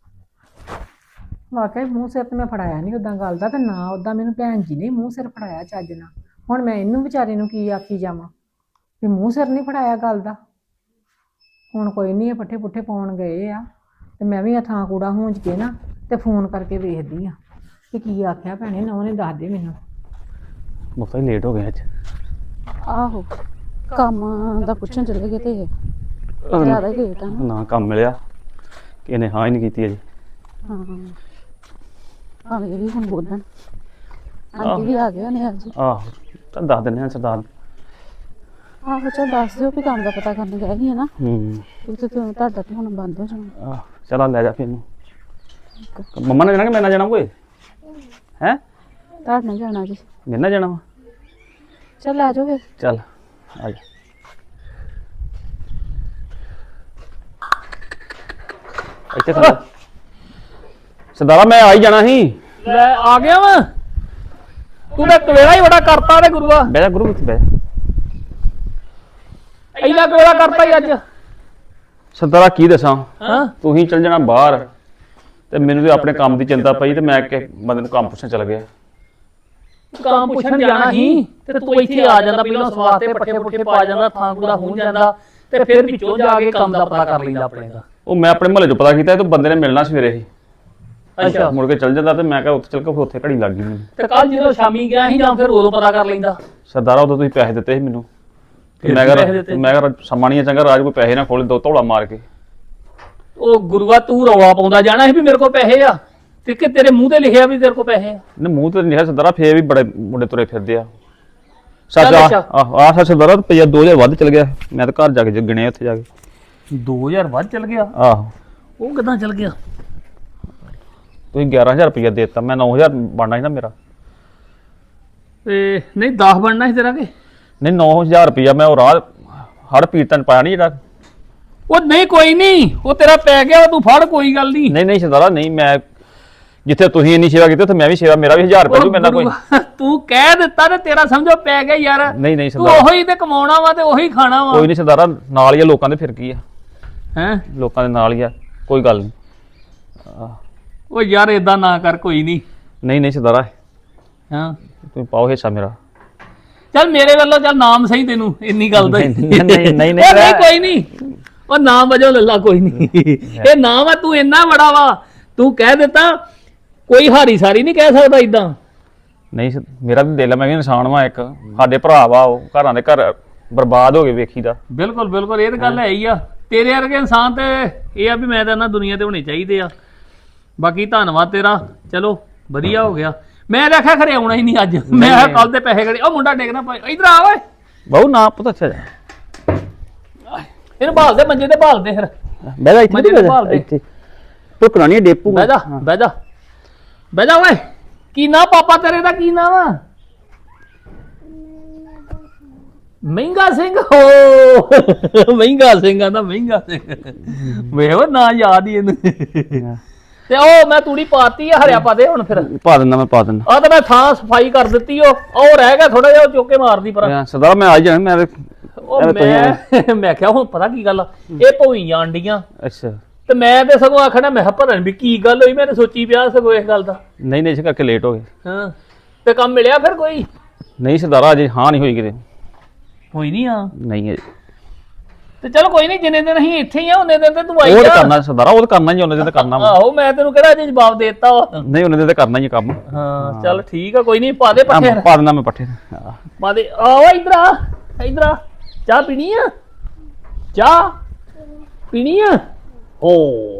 S4: ਵਾਕਈ ਮੂੰਹ ਸਿਰ ਤੇ ਮੈਂ ਫੜਾਇਆ ਨਹੀਂ ਉਦਾਂ ਗੱਲ ਦਾ, ਤੇ ਨਾ ਉਦਾਂ ਮੈਨੂੰ ਭੈਣ ਜੀ ਨੇ ਮੂੰਹ ਸਿਰ ਫੜਾਇਆ ਚੱਜ ਨਾਲ। ਹੁਣ ਮੈਂ ਇਹਨੂੰ ਵਿਚਾਰੇ ਨੂੰ ਕੀ ਆਖੀ ਜਾਵਾਂ ਵੀ ਮੂੰਹ ਸਿਰ ਨਹੀਂ ਫੜਾਇਆ ਗੱਲ ਦਾ। ਹੁਣ ਕੋਈ ਨਹੀਂ, ਇਹ ਪੱਠੇ ਪੁੱਠੇ ਪਾਉਣ ਗਏ ਆ, ਤੇ ਮੈਂ ਵੀ ਆ ਥਾਂ ਕੂੜਾ ਹੂੰਜ ਕੇ ਨਾ ਤੇ ਫੋਨ ਕਰਕੇ ਵੇਖਦੀ ਆ ਕਿ ਕੀ ਆਖਿਆ ਭੈਣੇ ਨਾ, ਉਹਨੇ ਦੱਸ ਦੇ ਮੈਨੂੰ।
S1: ਮੁਫਤਾ ਹੀ ਲੇਟ ਹੋ ਗਿਆ ਅੱਜ।
S2: ਆਹੋ ਕੰਮ ਦਾ ਪੁੱਛਣ ਚਲੇ ਗਏ ਤੇ ਜ਼ਿਆਦਾ ਹੀ ਲੇਟ ਆ ਨਾ।
S1: ਨਾ ਕੰਮ ਮਿਲਿਆ ਕਿ ਇਹਨੇ ਹਾਂ ਹੀ ਨਹੀਂ ਕੀਤੀ ਅਜੇ।
S2: ਹਾਂ ਭਾਵੇਂ ਇਹ ਵੀ ਹੁਣ ਬੋਲਣ, ਆਂਟੀ ਵੀ ਆ ਗਏ ਨੇ ਅੱਜ।
S1: ਆਹੋ ਤਾਂ ਦੱਸ ਦਿੰਦੇ ਆ ਸਰਦਾਰ।
S2: ਆਹੋ ਚਲ ਦੱਸ ਦਿਓ ਵੀ ਕੰਮ ਦਾ ਪਤਾ ਕਰਨ ਗਏ ਸੀ ਨਾ,
S1: ਹੂੰ
S2: ਉੱਥੇ ਤੇ ਤੁਹਾਡਾ ਤੇ ਹੁਣ ਬੰਦ ਹੋ ਜਾਣਾ।
S1: ਆਹ ਚਲ ਲੈ ਜਾ ਫਿਰ ਇਹਨੂੰ। ਮੰਮਾ ਨੇ ਜਾਣਾ ਕਿ ਮੈਂ ਨਾ ਜਾਣਾ ਕੋਈ ਹੈ?
S2: ਤੁਹਾਡੇ ਨਾਲ ਜਾਣਾ ਜੀ।
S1: ਮੇਰੇ ਨਾਲ ਜਾਣਾ ਵਾ?
S2: ਚੱਲ ਆ ਜਾਓ ਫਿਰ।
S1: ਚੱਲ ਆ ਜਾ। ਇੱਥੇ ਖੜਾ। ਸਰਦਾਰਾ ਮੈਂ ਆ ਹੀ ਜਾਣਾ ਸੀ।
S3: ਲੈ ਆ ਗਿਆ ਵਾ ਤੂੰ, ਤਾਂ ਕਵੇਲਾ ਹੀ ਬੜਾ ਕਰਤਾ ਤੇ ਗੁਰੂਆ,
S1: ਬਹਿ ਜਾ ਗੁਰੂ, ਇੱਥੇ ਬਹਿ ਜਾ।
S3: ਇੰਨਾ ਕਵੇਲਾ ਕਰਤਾ ਹੀ ਅੱਜ।
S1: ਸਰਦਾਰਾ ਕੀ ਦੱਸਾਂ,
S3: ਹਾਂ
S1: ਤੂੰ ਹੀ ਚੱਲ ਜਾਣਾ ਬਾਹਰ ਤੇ ਮੈਨੂੰ ਵੀ ਆਪਣੇ ਕੰਮ ਦੀ ਚਿੰਤਾ ਪਈ ਤੇ ਮੈਂ ਕਿ ਬੰਦੇ ਨੂੰ ਕੰਮ ਪੁੱਛਣ ਚਲ ਗਿਆ।
S3: ਕੰਮ ਪੁੱਛਣ ਜਾਣਾ ਸੀ ਤੇ ਤੂੰ ਇੱਥੇ ਆ ਜਾਂਦਾ, ਪਹਿਲਾਂ ਸਵਾਦ ਤੇ ਪੱਠੇ ਪੁੱਠੇ ਪਾ ਜਾਂਦਾ, ਥਾਂ ਕੂੜਾ ਹੋਂ ਜਾਂਦਾ, ਤੇ ਫਿਰ ਵਿੱਚੋਂ ਜਾ ਕੇ ਕੰਮ ਦਾ ਪਤਾ ਕਰ ਲੈਂਦਾ ਆਪਣੇ ਦਾ।
S1: ਉਹ ਮੈਂ ਆਪਣੇ ਮਹੱਲੇ 'ਚ ਪਤਾ ਕੀਤਾ ਤੇ ਬੰਦੇ ਨੇ ਮਿਲਣਾ ਸਵੇਰੇ ਹੀ।
S3: ਅੱਛਾ
S1: ਮੁੜ ਕੇ ਚੱਲ ਜਾਂਦਾ ਤੇ ਮੈਂ ਕਿਹਾ ਉੱਥੇ ਚੱਲ ਕੇ ਫਿਰ ਉੱਥੇ ਘੜੀ ਲੱਗ ਗਈ ਮੈਨੂੰ।
S3: ਤੇ ਕੱਲ ਜਦੋਂ ਸ਼ਾਮੀ ਗਿਆ ਸੀ ਜਾਂ ਫਿਰ ਉਦੋਂ ਪਤਾ ਕਰ ਲੈਂਦਾ।
S1: ਸਰਦਾਰਾ ਉਦੋਂ ਤੁਸੀਂ ਪੈਸੇ ਦਿੱਤੇ ਸੀ ਮੈਨੂੰ ਤੇ
S3: ਫਿਰ
S1: ਮੈਂ
S3: ਪੈਸੇ
S1: ਕਿਹਾ
S3: ਦਿੱਤੇ?
S1: ਮੈਂ ਕਿਹਾ ਸਮਾਂ ਨਹੀਂ ਹੈ ਚੰਗਾ, ਰਾਜ ਕੋਈ ਪੈਸੇ ਨਾ ਖੋਲੇ ਦੋ ਧੌਲਾ ਮਾਰ ਕੇ।
S3: ਉਹ ਗੁਰੂਆ ਤੂੰ ਰੌਲਾ ਪਾਉਂਦਾ ਜਾਣਾ ਸੀ ਵੀ ਮੇਰੇ ਕੋਲ ਪੈਸੇ ਆ, ਤੇ ਕਿ ਤੇਰੇ ਮੂੰਹ ਤੇ ਲਿਖਿਆ ਵੀ ਤੇਰੇ ਕੋਲ ਪੈਸੇ ਆ।
S1: ਨੇ ਮੂੰਹ ਤੇ ਨਹੀਂ ਸਰਦਾਰਾ, ਫੇਰ ਵੀ ਬੜੇ ਮੁੰਡੇ ਤੁਰੇ ਫਿਰਦੇ ਆ। ਸੱਚ
S3: ਚੱਲ
S1: ਆ
S3: ਅੱਛਾ।
S1: ਆਹ ਆਹ ਸੱਚ ਸਰਦਾਰਾ ਰੁਪਈਆ ਦੋ ਹਜ਼ਾਰ ਵੱਧ ਚਲ ਗਿਆ। ਮੈਂ ਤਾਂ ਘਰ ਜਾ ਕੇ ਗਿਣਿਆ ਉੱਥੇ ਜਾ ਕੇ।
S3: ਦੋ ਹਜ਼ਾਰ ਵੱਧ ਚਲ ਗਿਆ?
S1: ਆਹੋ
S3: ਉਹ ਕਿਦਾਂ ਚਲ ਗਿਆ?
S1: ਤੁਸੀਂ ਗਿਆਰਾਂ ਹਜ਼ਾਰ ਰੁਪਈਆ ਦੇ ਦਿੱਤਾ, ਮੈਂ ਨੌ ਹਜ਼ਾਰ ਬਣਨਾ ਸੀ ਨਾ ਮੇਰਾ।
S3: ਤੇ ਨਹੀਂ ਦਸ ਬਣਨਾ ਸੀ ਤੇਰਾ ਕਿ?
S1: ਨਹੀਂ ਨੌ ਹਜ਼ਾਰ ਰੁਪਈਆ ਮੈਂ ਉਹ ਰਾਹ ਹੜ ਪੀਰਤਨ ਪਾਇਆ ਨਹੀਂ ਜਿਹੜਾ।
S3: ਉਹ ਨਹੀਂ ਕੋਈ ਨਹੀਂ, ਉਹ ਤੇਰਾ ਪੈ ਗਿਆ, ਉਹ ਤੂੰ ਫੜ, ਕੋਈ ਗੱਲ ਨਹੀਂ।
S1: ਨਹੀਂ ਨਹੀਂ ਸਰਦਾਰਾ ਨਹੀਂ, ਮੈਂ ਜਿੱਥੇ ਤੁਸੀਂ ਇੰਨੀ ਸੇਵਾ ਕੀਤੀ ਉੱਥੇ ਮੈਂ ਵੀ ਸੇਵਾ, ਮੇਰਾ ਵੀ ਹਜ਼ਾਰ ਰੁਪਏ ਜੂ ਮੇਰੇ ਨਾਲ ਕੋਈ।
S3: ਤੂੰ ਕਹਿ ਦਿੱਤਾ ਤੇ ਤੇਰਾ ਸਮਝੋ ਪੈ ਗਿਆ ਯਾਰ।
S1: ਨਹੀਂ ਨਹੀਂ
S3: ਤੂੰ
S1: ਸਰਦਾਰਾ
S3: ਉਹੀ ਤੇ ਕਮਾਉਣਾ ਵਾ ਤੇ ਉਹੀ ਖਾਣਾ ਵਾ।
S1: ਕੋਈ ਨਹੀਂ ਸਰਦਾਰਾ, ਨਾਲ ਹੀ ਆ ਲੋਕਾਂ ਦੇ, ਫਿਰ ਕੀ ਆ,
S3: ਹੈ
S1: ਲੋਕਾਂ ਦੇ ਨਾਲ ਹੀ ਆ, ਕੋਈ ਗੱਲ ਨਹੀਂ।
S3: ਉਹ ਯਾਰ ਏਦਾਂ ਨਾ ਕਰ, ਕੋਈ ਨਹੀਂ।
S1: ਨਹੀਂ ਨਹੀਂ ਸਰਦਾਰਾ
S3: ਹਾਂ
S1: ਤੁਸੀਂ ਪਾਓ ਹਿੱਸਾ ਮੇਰਾ।
S3: ਚੱਲ ਮੇਰੇ ਵੱਲੋਂ ਚੱਲ ਨਾਮ ਸਹੀ ਤੈਨੂੰ ਇੰਨੀ ਗੱਲ ਦਾ ਹੀ।
S1: ਨਹੀਂ, ਨਹੀਂ, ਨਹੀਂ, ਨਹੀਂ,
S3: ਉਹ ਨਹੀਂ
S1: ਨਹੀਂ।
S3: ਕੋਈ ਨਹੀਂ, ਉਹ ਨਾਮ ਵਜੋਂ ਲੱਲਾ ਕੋਈ ਨਹੀਂ। ਇਹ ਨਾਮ ਆ, ਤੂੰ ਇੰਨਾ ਬੜਾ ਵਾ, ਤੂੰ ਕਹਿ ਦਿੱਤਾ, ਕੋਈ ਹਾਰੀ ਸਾਰੀ ਨਹੀਂ ਕਹਿ ਸਕਦਾ ਇਦਾਂ।
S1: ਨਹੀਂ ਸ- ਮੇਰਾ ਵੀ ਦਿਲ ਆ, ਮੈਂ ਵੀ ਇਨਸਾਨ ਵਾਂ ਇੱਕ, ਸਾਡੇ ਭਰਾ ਵਾ, ਉਹ ਘਰਾਂ ਦੇ ਘਰ ਬਰਬਾਦ ਹੋ ਗਏ ਵੇਖੀਦਾ।
S3: ਬਿਲਕੁਲ ਬਿਲਕੁਲ, ਇਹ ਤਾਂ ਗੱਲ ਹੈ ਹੀ ਆ। ਤੇਰੇ ਵਰਗੇ ਇਨਸਾਨ ਤੇ ਇਹ ਆ ਵੀ ਮੈਂ ਤਾਂ ਨਾ ਦੁਨੀਆ ਤੇ ਹੋਣੇ ਚਾਹੀਦੇ ਆ। ਬਾਕੀ ਧੰਨਵਾਦ ਤੇਰਾ, ਚਲੋ ਵਧੀਆ ਹੋ ਗਿਆ। ਮੈਂ ਦੇਖਿਆ ਖਰੇ ਆਉਣਾ ਹੀ ਨਹੀਂ ਅੱਜ, ਮੈਂ ਕੱਲ ਦੇ ਪੈਸੇ ਗੜੇ। ਉਹ ਮੁੰਡਾ ਡੇਗਣਾ ਪਏ, ਇਧਰ ਆ ਓਏ,
S1: ਬਹੁ ਨਾ ਪੁੱਤ ਅੱਛਾ ਜਾ
S3: ਇਹਨੂੰ ਭਾਲ ਦੇ, ਮੰਜੇ ਤੇ ਭਾਲ ਦੇ ਫਿਰ।
S1: ਬਹਿ ਜਾ ਇੱਥੇ,
S3: ਮੰਜੇ ਤੇ ਭਾਲ ਦੇ।
S1: ਇੱਥੇ ਟੁਕਣਾ ਨਹੀਂ ਡੇਪੂ।
S3: ਬਹਿ ਜਾ ਬਹਿ ਜਾ ਬਹਿ ਜਾ ਓਏ। ਕੀ ਨਾਂ ਪਾਪਾ ਤੇਰੇ ਦਾ, ਕੀ ਨਾਂ ਵਾ? ਮਹਿੰਗਾ ਸਿੰਘ। ਹੋ ਮਹਿੰਗਾ ਸਿੰਘ ਆਂਦਾ, ਮਹਿੰਗਾ ਸਿੰਘ ਵੇਖ ਉਹ ਨਾਂ ਯਾਦ ਹੀ ਇਹਨੂੰ। ਤੇ ਉਹ ਮੈਂ ਤੂੜੀ ਪਾਤੀ ਆ, ਹਰਿਆ ਪਾ ਦੇ ਹੁਣ ਫਿਰ।
S1: ਪਾ ਦਿੰਦਾ, ਮੈਂ ਪਾ ਦਿੰਦਾ।
S3: ਆ ਤਾਂ ਮੈਂ ਥਾਂ ਸਫਾਈ ਕਰ ਦਿੱਤੀ। ਉਹ ਉਹ ਰਹਿ ਗਿਆ ਥੋੜਾ ਜਿਹਾ, ਉਹ ਚੁੱਕ ਕੇ ਮਾਰਦੀ ਪਰ।
S1: ਸਰਦਾਰਾ ਮੈਂ ਆ ਜਾਣਾ, ਮੈਂ
S3: ਉਹ ਮੈਂ ਮੈਂ ਕਿਹਾ ਹੁਣ ਪਤਾ ਕੀ ਗੱਲ ਆ, ਇਹ ਭੋਈ ਆਂਡੀਆਂ।
S1: ਅੱਛਾ
S3: ਤੇ ਮੈਂ ਤੇ ਸਗੋਂ ਆਖਣਾ, ਮੈਂ ਭਰਨ ਵੀ ਕੀ ਗੱਲ ਹੋਈ, ਮੈਂ ਤੇ ਸੋਚੀ ਪਿਆ ਸਗੋਂ ਇਸ ਗੱਲ ਦਾ।
S1: ਨਹੀਂ ਨਹੀਂ ਇਸ ਕਰਕੇ ਲੇਟ ਹੋ ਗਏ।
S3: ਹਾਂ ਤੇ ਕੰਮ ਮਿਲਿਆ ਫਿਰ ਕੋਈ?
S1: ਨਹੀਂ ਸਰਦਾਰਾ ਅਜੇ ਹਾਂ ਨਹੀਂ ਹੋਈ ਕਿਤੇ।
S3: ਹੋਈ ਨਹੀਂ ਆ
S1: ਨਹੀਂ ਅਜੇ।
S3: ਤੇ ਚਲ ਕੋਈ ਨਹੀਂ, ਜਿੰਨੇ ਦਿਨ ਅਸੀਂ ਇੱਥੇ ਹੀ ਆ ਉਹਨੇ ਦਿਨ ਤੇ ਤੂੰ ਆਈ
S1: ਉਹ ਤਾਂ
S3: ਜਾ।
S1: ਕਰਨਾ ਸਰਦਾਰਾ, ਉਹ ਤਾਂ ਕਰਨਾ ਹੀ, ਉਹਨੇ ਤੇ ਕਰਨਾ ਵਾ।
S3: ਆਹੋ ਮੈਂ ਤੈਨੂੰ ਕਿਹੜਾ ਅਜੇ ਜਵਾਬ ਦੇ ਦਿੱਤਾ ਵਾ।
S1: ਨਹੀਂ ਉਹਨੇ ਤੇ ਕਰਨਾ ਹੀ ਆ ਕੰਮ।
S3: ਹਾਂ ਚੱਲ ਠੀਕ ਆ, ਕੋਈ ਨਹੀਂ ਪਾ ਦੇ ਪੱਠੇ
S1: ਆਹ, ਪਾ ਦੇਣਾ ਮੈਂ ਪੱਠੇ। ਹਾਂ।
S3: ਪਾ ਦੇ। ਆਓ ਇਧਰ ਆ, ਇਧਰ ਆ। ਚਾਹ ਪੀਣੀ ਆ? ਚਾਹ ਪੀਣੀ ਆ? ਓ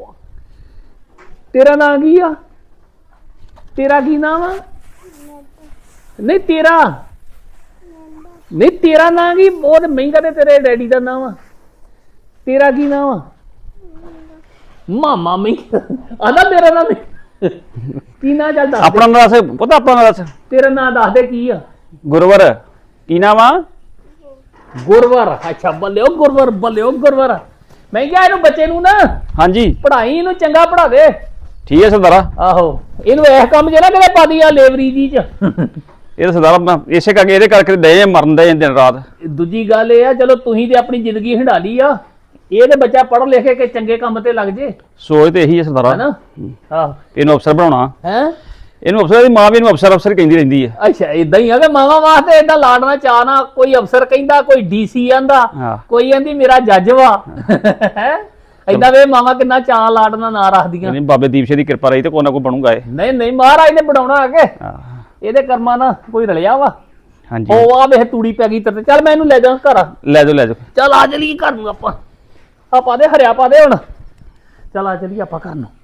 S3: ਤੇਰਾ ਨਾਂ ਕੀ ਆ? ਤੇਰਾ ਕੀ ਨਾਮ ਆ? ਨਹੀਂ ਤੇਰਾ ਨਹੀਂ ਤੇਰਾ ਨਾਂ ਕੀ? ਬਹੁਤ ਮਹਿੰਗਾ ਤੇ ਤੇਰੇ ਡੈਡੀ ਦਾ ਨਾਮ ਆ। ਤੇਰਾ ਕੀ ਨਾਮ ਆ? ਮਾਮਾ ਮਹਿੰਗਾ ਆਦਾ ਮੇਰਾ ਨਾਮ ਕੀ ਨਾਂ? ਚੱਲ ਦੱਸ ਦੇ।
S1: ਆਪਣਾ ਨਾਂ ਦੱਸ, ਪਤਾ ਆਪਣਾ ਨਾਂ ਦੱਸ।
S3: ਤੇਰਾ ਨਾਂ ਦੱਸ ਦੇ ਕੀ ਆ?
S1: ਗੁਰਵਰ। ਕੀ ਨਾਮ ਆ?
S3: ਗੁਰਵਰ। ਅੱਛਾ ਬੱਲਿਓ ਗੁਰਵਰ, ਬੱਲਿਓ ਗੁਰਵਰ। ਮੈਂ ਕਿਹਾ ਇਹਨੂੰ ਬੱਚੇ ਨੂੰ ਨਾ
S1: ਹਾਂਜੀ
S3: ਪੜ੍ਹਾਈ, ਇਹਨੂੰ ਚੰਗਾ ਪੜ੍ਹਾ ਦੇ।
S1: ਠੀਕ ਹੈ ਸਰਦਾਰਾ।
S3: ਆਹੋ ਇਹਨੂੰ ਇਸ ਕੰਮ 'ਚ ਨਾ ਕਿਤੇ ਪਾ ਦੀ ਆ ਲੇਬਰੀ ਜੀ 'ਚ।
S1: ਇਹ ਤਾਂ ਸਰਦਾਰਾ ਮੈਂ ਇਸੇ ਕਰਕੇ ਇਹਦੇ ਕਰਕੇ ਦੇ ਮਰਨ ਦੇ ਦਿਨ ਰਾਤ।
S3: ਦੂਜੀ ਗੱਲ ਇਹ ਆ, ਚਲੋ ਤੁਸੀਂ ਤੇ ਆਪਣੀ ਜ਼ਿੰਦਗੀ ਹੰਡਾ ਲਈ ਆ, ਇਹ ਤੇ ਬੱਚਾ ਪੜ੍ਹ ਲਿਖ ਕੇ ਚੰਗੇ ਕੰਮ ਤੇ ਲੱਗ ਜੇ,
S1: ਸੋਚ ਤੇ ਇਹੀ ਹੈ ਸਰਦਾਰਾ।
S3: ਹੈਨਾ? ਆਹੋ
S1: ਇਹਨੂੰ ਅਫਸਰ ਬਣਾਉਣਾ।
S3: ਹੈ।
S1: ਇਹਨੂੰ ਅਫਸਰ ਦੀ ਮਾਂ ਵੀ ਇਹਨੂੰ ਅਫਸਰ ਅਫਸਰ ਕਹਿੰਦੀ ਰਹਿੰਦੀ ਹੈ।
S3: ਅੱਛਾ ਇਦਾਂ ਹੀ ਆ ਕਿ ਮਾਵਾ ਵਾਸਤੇ ਏਦਾਂ ਲਾੜਨਾ ਚਾਹਨਾ, ਕੋਈ ਅਫਸਰ ਕਹਿੰਦਾ, ਕੋਈ ਡੀਸੀ ਆਂਦਾ,
S1: ਹਾਂ।
S3: ਕੋਈ ਕਹਿੰਦੀ ਮੇਰਾ ਜੱਜ ਵਾ। ਹੈ ਏਦਾਂ ਵੇ ਮਾਵਾ ਕਿੰਨਾ ਚਾਹ ਲਾੜਨਾ ਨਾ ਰੱਖਦੀਆਂ।
S1: ਨਹੀਂ ਬਾਬੇ ਦੀਪ ਸਿੰਘ ਦੀ ਕਿਰਪਾ ਰਹੀ ਤੇ ਕੋਈ ਨਾ ਕੋਈ ਬਣੂਗਾ ਇਹ।
S3: ਨਹੀਂ ਨਹੀਂ ਮਹਾਰਾਜ ਨੇ ਬਣਾਉਣਾ ਆ ਕੇ,
S1: ਹਾਂ।
S3: ਇਹਦੇ ਕਰਮਾਂ ਨਾਲ ਕੋਈ ਰਲਿਆ ਵਾ।
S1: ਹਾਂਜੀ
S3: ਉਹ ਆ ਵੇਖ ਤੂੜੀ ਪੈ ਗਈ ਤੇਰੇ ਤੇ। ਚੱਲ ਮੈਂ ਇਹਨੂੰ ਲੈ ਜਾ ਘਰ।
S1: ਲੈ ਜਾਓ ਲੈ ਜਾਓ।
S3: ਚੱਲ ਆ ਚਲੀਏ ਘਰ ਨੂੰ ਆਪਾਂ। ਆ ਪਾ ਦੇ ਹਰਿਆ ਪਾ ਦੇ ਹੁਣ। ਚੱਲ ਆ ਚਲੀਏ ਆਪਾਂ ਘਰ ਨੂੰ।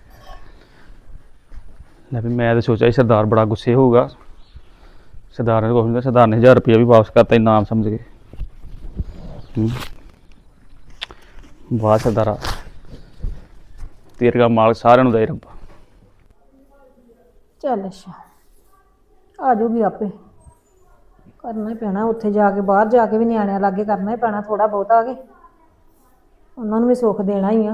S1: ਲੈ ਵੀ ਮੈਂ ਤਾਂ ਸੋਚਿਆ ਸੀ ਸਰਦਾਰ ਬੜਾ ਗੁੱਸੇ ਹੋਊਗਾ। ਸਰਦਾਰ ਨੇ ਕੁਛ ਨਹੀਂ, ਸਰਦਾਰ ਨੇ ਹਜ਼ਾਰ ਰੁਪਇਆ ਵੀ ਵਾਪਸ ਕਰਤਾ ਇਨਾਮ ਸਮਝ ਕੇ। ਹੂੰ। ਵਾਹ ਸਰਦਾਰਾ, ਤੇਰੇ ਦਾ ਮਾਲਕ ਸਾਰਿਆਂ ਨੂੰ ਦੇ ਰੱਬਾ।
S5: ਚੱਲ ਅੱਛਾ ਆ ਜਾਊਗੀ ਆਪੇ, ਕਰਨਾ ਹੀ ਪੈਣਾ ਉੱਥੇ ਜਾ ਕੇ, ਬਾਹਰ ਜਾ ਕੇ ਵੀ ਨਿਆਣਿਆਂ ਲਾਗੇ ਕਰਨਾ ਹੀ ਪੈਣਾ ਥੋੜਾ ਬਹੁਤਾ ਆ ਕੇ, ਉਹਨਾਂ ਨੂੰ ਵੀ ਸੁੱਖ ਦੇਣਾ ਹੀ ਆ।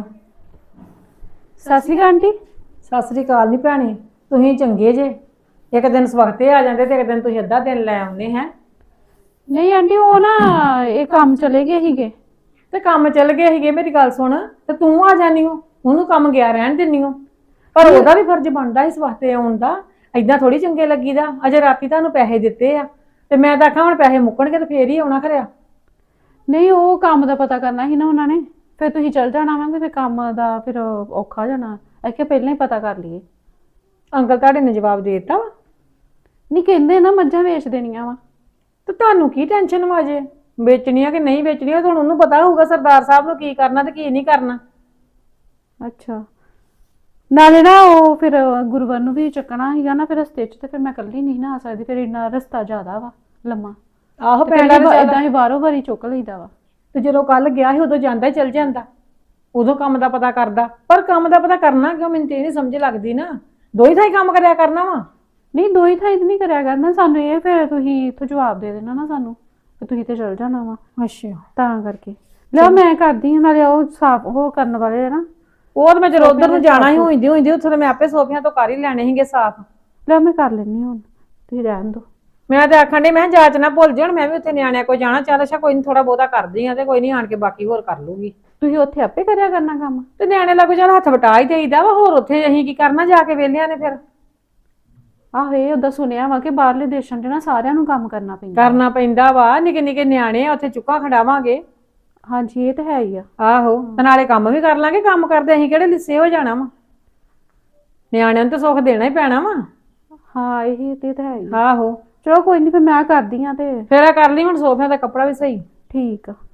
S2: ਸਤਿ ਸ਼੍ਰੀ ਅਕਾਲ ਆਂਟੀ।
S5: ਸਤਿ ਸ੍ਰੀ ਅਕਾਲ ਨਹੀਂ ਭੈਣੇ, ਤੁਸੀਂ ਚੰਗੇ ਜੇ, ਇੱਕ ਦਿਨ ਸਵਖਤੇ ਆ ਜਾਂਦੇ ਤੇ ਇੱਕ ਦਿਨ ਤੁਸੀਂ ਅੱਧਾ ਦਿਨ ਲੈ ਆਉਂਦੇ ਹੈ।
S2: ਨਹੀਂ ਆਂਟੀ ਉਹ ਨਾ ਇਹ ਕੰਮ ਚਲੇ ਗਏ ਸੀਗੇ।
S5: ਤੇ ਕੰਮ ਚੱਲ ਗਏ ਸੀਗੇ, ਮੇਰੀ ਗੱਲ ਸੁਣ, ਤੇ ਤੂੰ ਆ ਜਾਨੀ ਹੋ, ਉਹਨੂੰ ਕੰਮ ਗਿਆ ਰਹਿਣ ਦਿੰਨੀ ਹੋ, ਪਰ ਉਹਦਾ ਵੀ ਫਰਜ਼ ਬਣਦਾ ਇਸ ਵਾਸਤੇ ਆਉਣ ਦਾ। ਏਦਾਂ ਥੋੜੀ ਚੰਗੇ ਲੱਗੀਦਾ। ਅਜੇ ਰਾਤੀ ਤੁਹਾਨੂੰ ਪੈਸੇ ਦਿੱਤੇ ਆ ਤੇ ਮੈਂ ਤਾਂ ਆਖਾਂ ਹੁਣ ਪੈਸੇ ਮੁੱਕਣਗੇ ਤੇ ਫੇਰ ਹੀ ਆਉਣਾ ਖਰਿਆ।
S2: ਨਹੀਂ ਉਹ ਕੰਮ ਦਾ ਪਤਾ ਕਰਨਾ ਸੀ ਨਾ ਉਹਨਾਂ ਨੇ, ਫਿਰ ਤੁਸੀਂ ਚੱਲ ਜਾਣਾ ਵਾ, ਫਿਰ ਕੰਮ ਦਾ ਫਿਰ ਔਖਾ ਜਾਣਾ। ਐ ਪਹਿਲਾਂ ਹੀ ਪਤਾ ਕਰ ਲਈਏ।
S5: ਅੰਕਲ ਤੁਹਾਡੇ ਨੇ ਜਵਾਬ ਦੇ ਦਿੱਤਾ ਵਾ?
S2: ਨਹੀਂ ਕਹਿੰਦੇ ਨਾ ਮੱਝਾਂ ਵੇਚ ਦੇਣੀਆਂ ਵਾ।
S5: ਤੇ ਤੁਹਾਨੂੰ ਕੀ ਟੈਨਸ਼ਨ ਵਾ ਜੇ ਵੇਚਣੀਆਂ ਕਿ ਨਹੀਂ ਵੇਚਣੀਆਂ? ਤੁਹਾਨੂੰ ਉਹਨੂੰ ਪਤਾ ਹੋਊਗਾ ਸਰਦਾਰ ਸਾਹਿਬ ਨੂੰ ਕੀ ਕਰਨਾ ਤੇ ਕੀ ਨਹੀਂ ਕਰਨਾ।
S2: ਅੱਛਾ ਨਾਲੇ ਨਾ ਉਹ ਫਿਰ ਗੁਰਵਰ ਨੂੰ ਵੀ ਚੱਕਣਾ ਸੀਗਾ ਨਾ ਫਿਰ ਰਸਤੇ 'ਚ, ਤੇ ਫਿਰ ਮੈਂ ਇਕੱਲੀ ਨਹੀਂ ਨਾ ਆ ਸਕਦੀ, ਫਿਰ ਇੰਨਾ ਰਸਤਾ ਜ਼ਿਆਦਾ ਵਾ ਲੰਮਾ।
S5: ਆਹੋ
S2: ਪਹਿਲਾਂ ਏਦਾਂ ਹੀ ਬਾਰੋ ਬਾਰੀ ਚੁੱਕ ਲਈਦਾ ਵਾ।
S5: ਤੇ ਜਦੋਂ ਕੱਲ ਗਿਆ ਸੀ ਉਦੋਂ ਜਾਂਦਾ ਹੀ ਚਲ ਜਾਂਦਾ, ਉਦੋਂ ਕੰਮ ਦਾ ਪਤਾ ਕਰਦਾ। ਪਰ ਕੰਮ ਦਾ ਪਤਾ ਕਰਨਾ ਕਿਉਂ, ਮੈਨੂੰ ਤੇ ਇਹ ਨਹੀਂ ਸਮਝ ਲੱਗਦੀ ਨਾ। ਦੋ ਹੀ ਥਾਈ ਕੰਮ ਕਰਿਆ ਕਰਨਾ ਵਾ।
S2: ਨਹੀਂ ਦੋ ਹੀ ਥਾਈ ਨਹੀਂ ਕਰਿਆ ਕਰਨਾ ਸਾਨੂੰ, ਇਹ ਫਿਰ ਤੁਸੀਂ ਇੱਥੋਂ ਜਵਾਬ ਦੇ ਦੇਣਾ ਨਾ ਸਾਨੂੰ, ਤੇ ਤੁਸੀਂ ਤੇ ਚਲ ਜਾਣਾ ਵਾ।
S5: ਅੱਛਾ
S2: ਤਾਂ ਕਰਕੇ ਲਿਆ ਮੈਂ ਕਰਦੀ ਹਾਂ, ਨਾਲੇ ਉਹ ਸਾਫ ਉਹ ਕਰਨ ਵਾਲੇ ਆ ਨਾ।
S5: ਉਹ ਤਾਂ ਮੈਂ ਜਦੋਂ ਉਧਰ ਨੂੰ ਜਾਣਾ ਹੀ ਹੋਈਂਦੀ ਹੋਈਂਦੀ ਉੱਥੇ ਤਾਂ ਮੈਂ ਆਪੇ ਸੋਫਿਆਂ ਤੋਂ ਕਰ ਹੀ ਲੈਣੇ ਸੀਗੇ ਸਾਫ਼।
S2: ਲਿਆ ਮੈਂ ਕਰ ਲੈਂਦੀ ਹੁਣ, ਤੁਸੀਂ ਰਹਿਣ ਦਿਓ।
S5: ਮੈਂ ਤੇ ਆਖਣ ਡਈ ਮੈਂ ਕਿਹਾ ਜਾਚ ਨਾ ਭੁੱਲ ਜਾਣ, ਮੈਂ ਵੀ ਉੱਥੇ ਨਿਆਣਿਆਂ ਕੋਲ ਜਾਣਾ। ਚੱਲ ਅੱਛਾ ਕੋਈ ਨਹੀਂ, ਥੋੜਾ ਬਹੁਤਾ ਕਰਦੀ ਆ ਤੇ ਕੋਈ ਨਹੀਂ ਆਣ ਕੇ ਬਾਕੀ ਹੋਰ ਕਰ ਲੂਗੀ।
S2: ਤੁਸੀਂ ਉੱਥੇ ਆਪੇ ਕਰਿਆ ਕਰਨਾ ਕੰਮ,
S5: ਤੇ ਨਿਆਣੇ ਲੱਗੋ ਚੱਲ ਹੱਥ ਵਟਾ ਹੀ ਦੇਈਦਾ ਵਾ, ਹੋਰ ਉੱਥੇ ਅਸੀਂ ਕੀ ਕਰਨਾ ਜਾ ਕੇ ਵਿਹਲਿਆਂ ਨੇ। ਫਿਰ
S2: ਆਹੋ ਇਹ ਉਦਾਂ ਸੁਣਿਆ ਵਾ ਕਿ ਬਾਹਰਲੇ ਦੇਸ਼ਾਂ 'ਚ ਨਾ ਸਾਰਿਆਂ ਨੂੰ ਕੰਮ ਕਰਨਾ ਪੈਂਦਾ।
S5: ਕਰਨਾ ਪੈਂਦਾ ਵਾ, ਨਿੱਕੇ ਨਿੱਕੇ ਨਿਆਣੇ ਆ ਉੱਥੇ ਚੁੱਕਾ ਖੜਾਵਾਂਗੇ।
S2: ਹਾਂਜੀ ਇਹ ਤਾਂ ਹੈ ਹੀ ਆ।
S5: ਆਹੋ ਤੇ ਨਾਲੇ ਕੰਮ ਵੀ ਕਰ ਲਾਂਗੇ, ਕੰਮ ਕਰਦੇ ਅਸੀਂ ਕਿਹੜੇ ਲਿੱਸੇ ਹੋ ਜਾਣਾ ਵਾ। ਨਿਆਣਿਆਂ ਨੂੰ ਤਾਂ ਸੁੱਖ ਦੇਣਾ ਹੀ ਪੈਣਾ ਵਾ।
S2: ਹਾਂ ਇਹੀ ਤੇ ਤਾਂ ਹੈ ਹੀ।
S5: ਆਹੋ
S2: ਚਲੋ ਕੋਈ ਨਹੀਂ, ਫਿਰ ਮੈਂ ਕਰਦੀ ਆ ਤੇ
S5: ਫੇਰ ਆ ਕਰ ਲਈ ਹੁਣ ਸੋਫਿਆਂ ਦਾ ਕੱਪੜਾ ਵੀ ਸਹੀ।
S2: ਠੀਕ ਆ।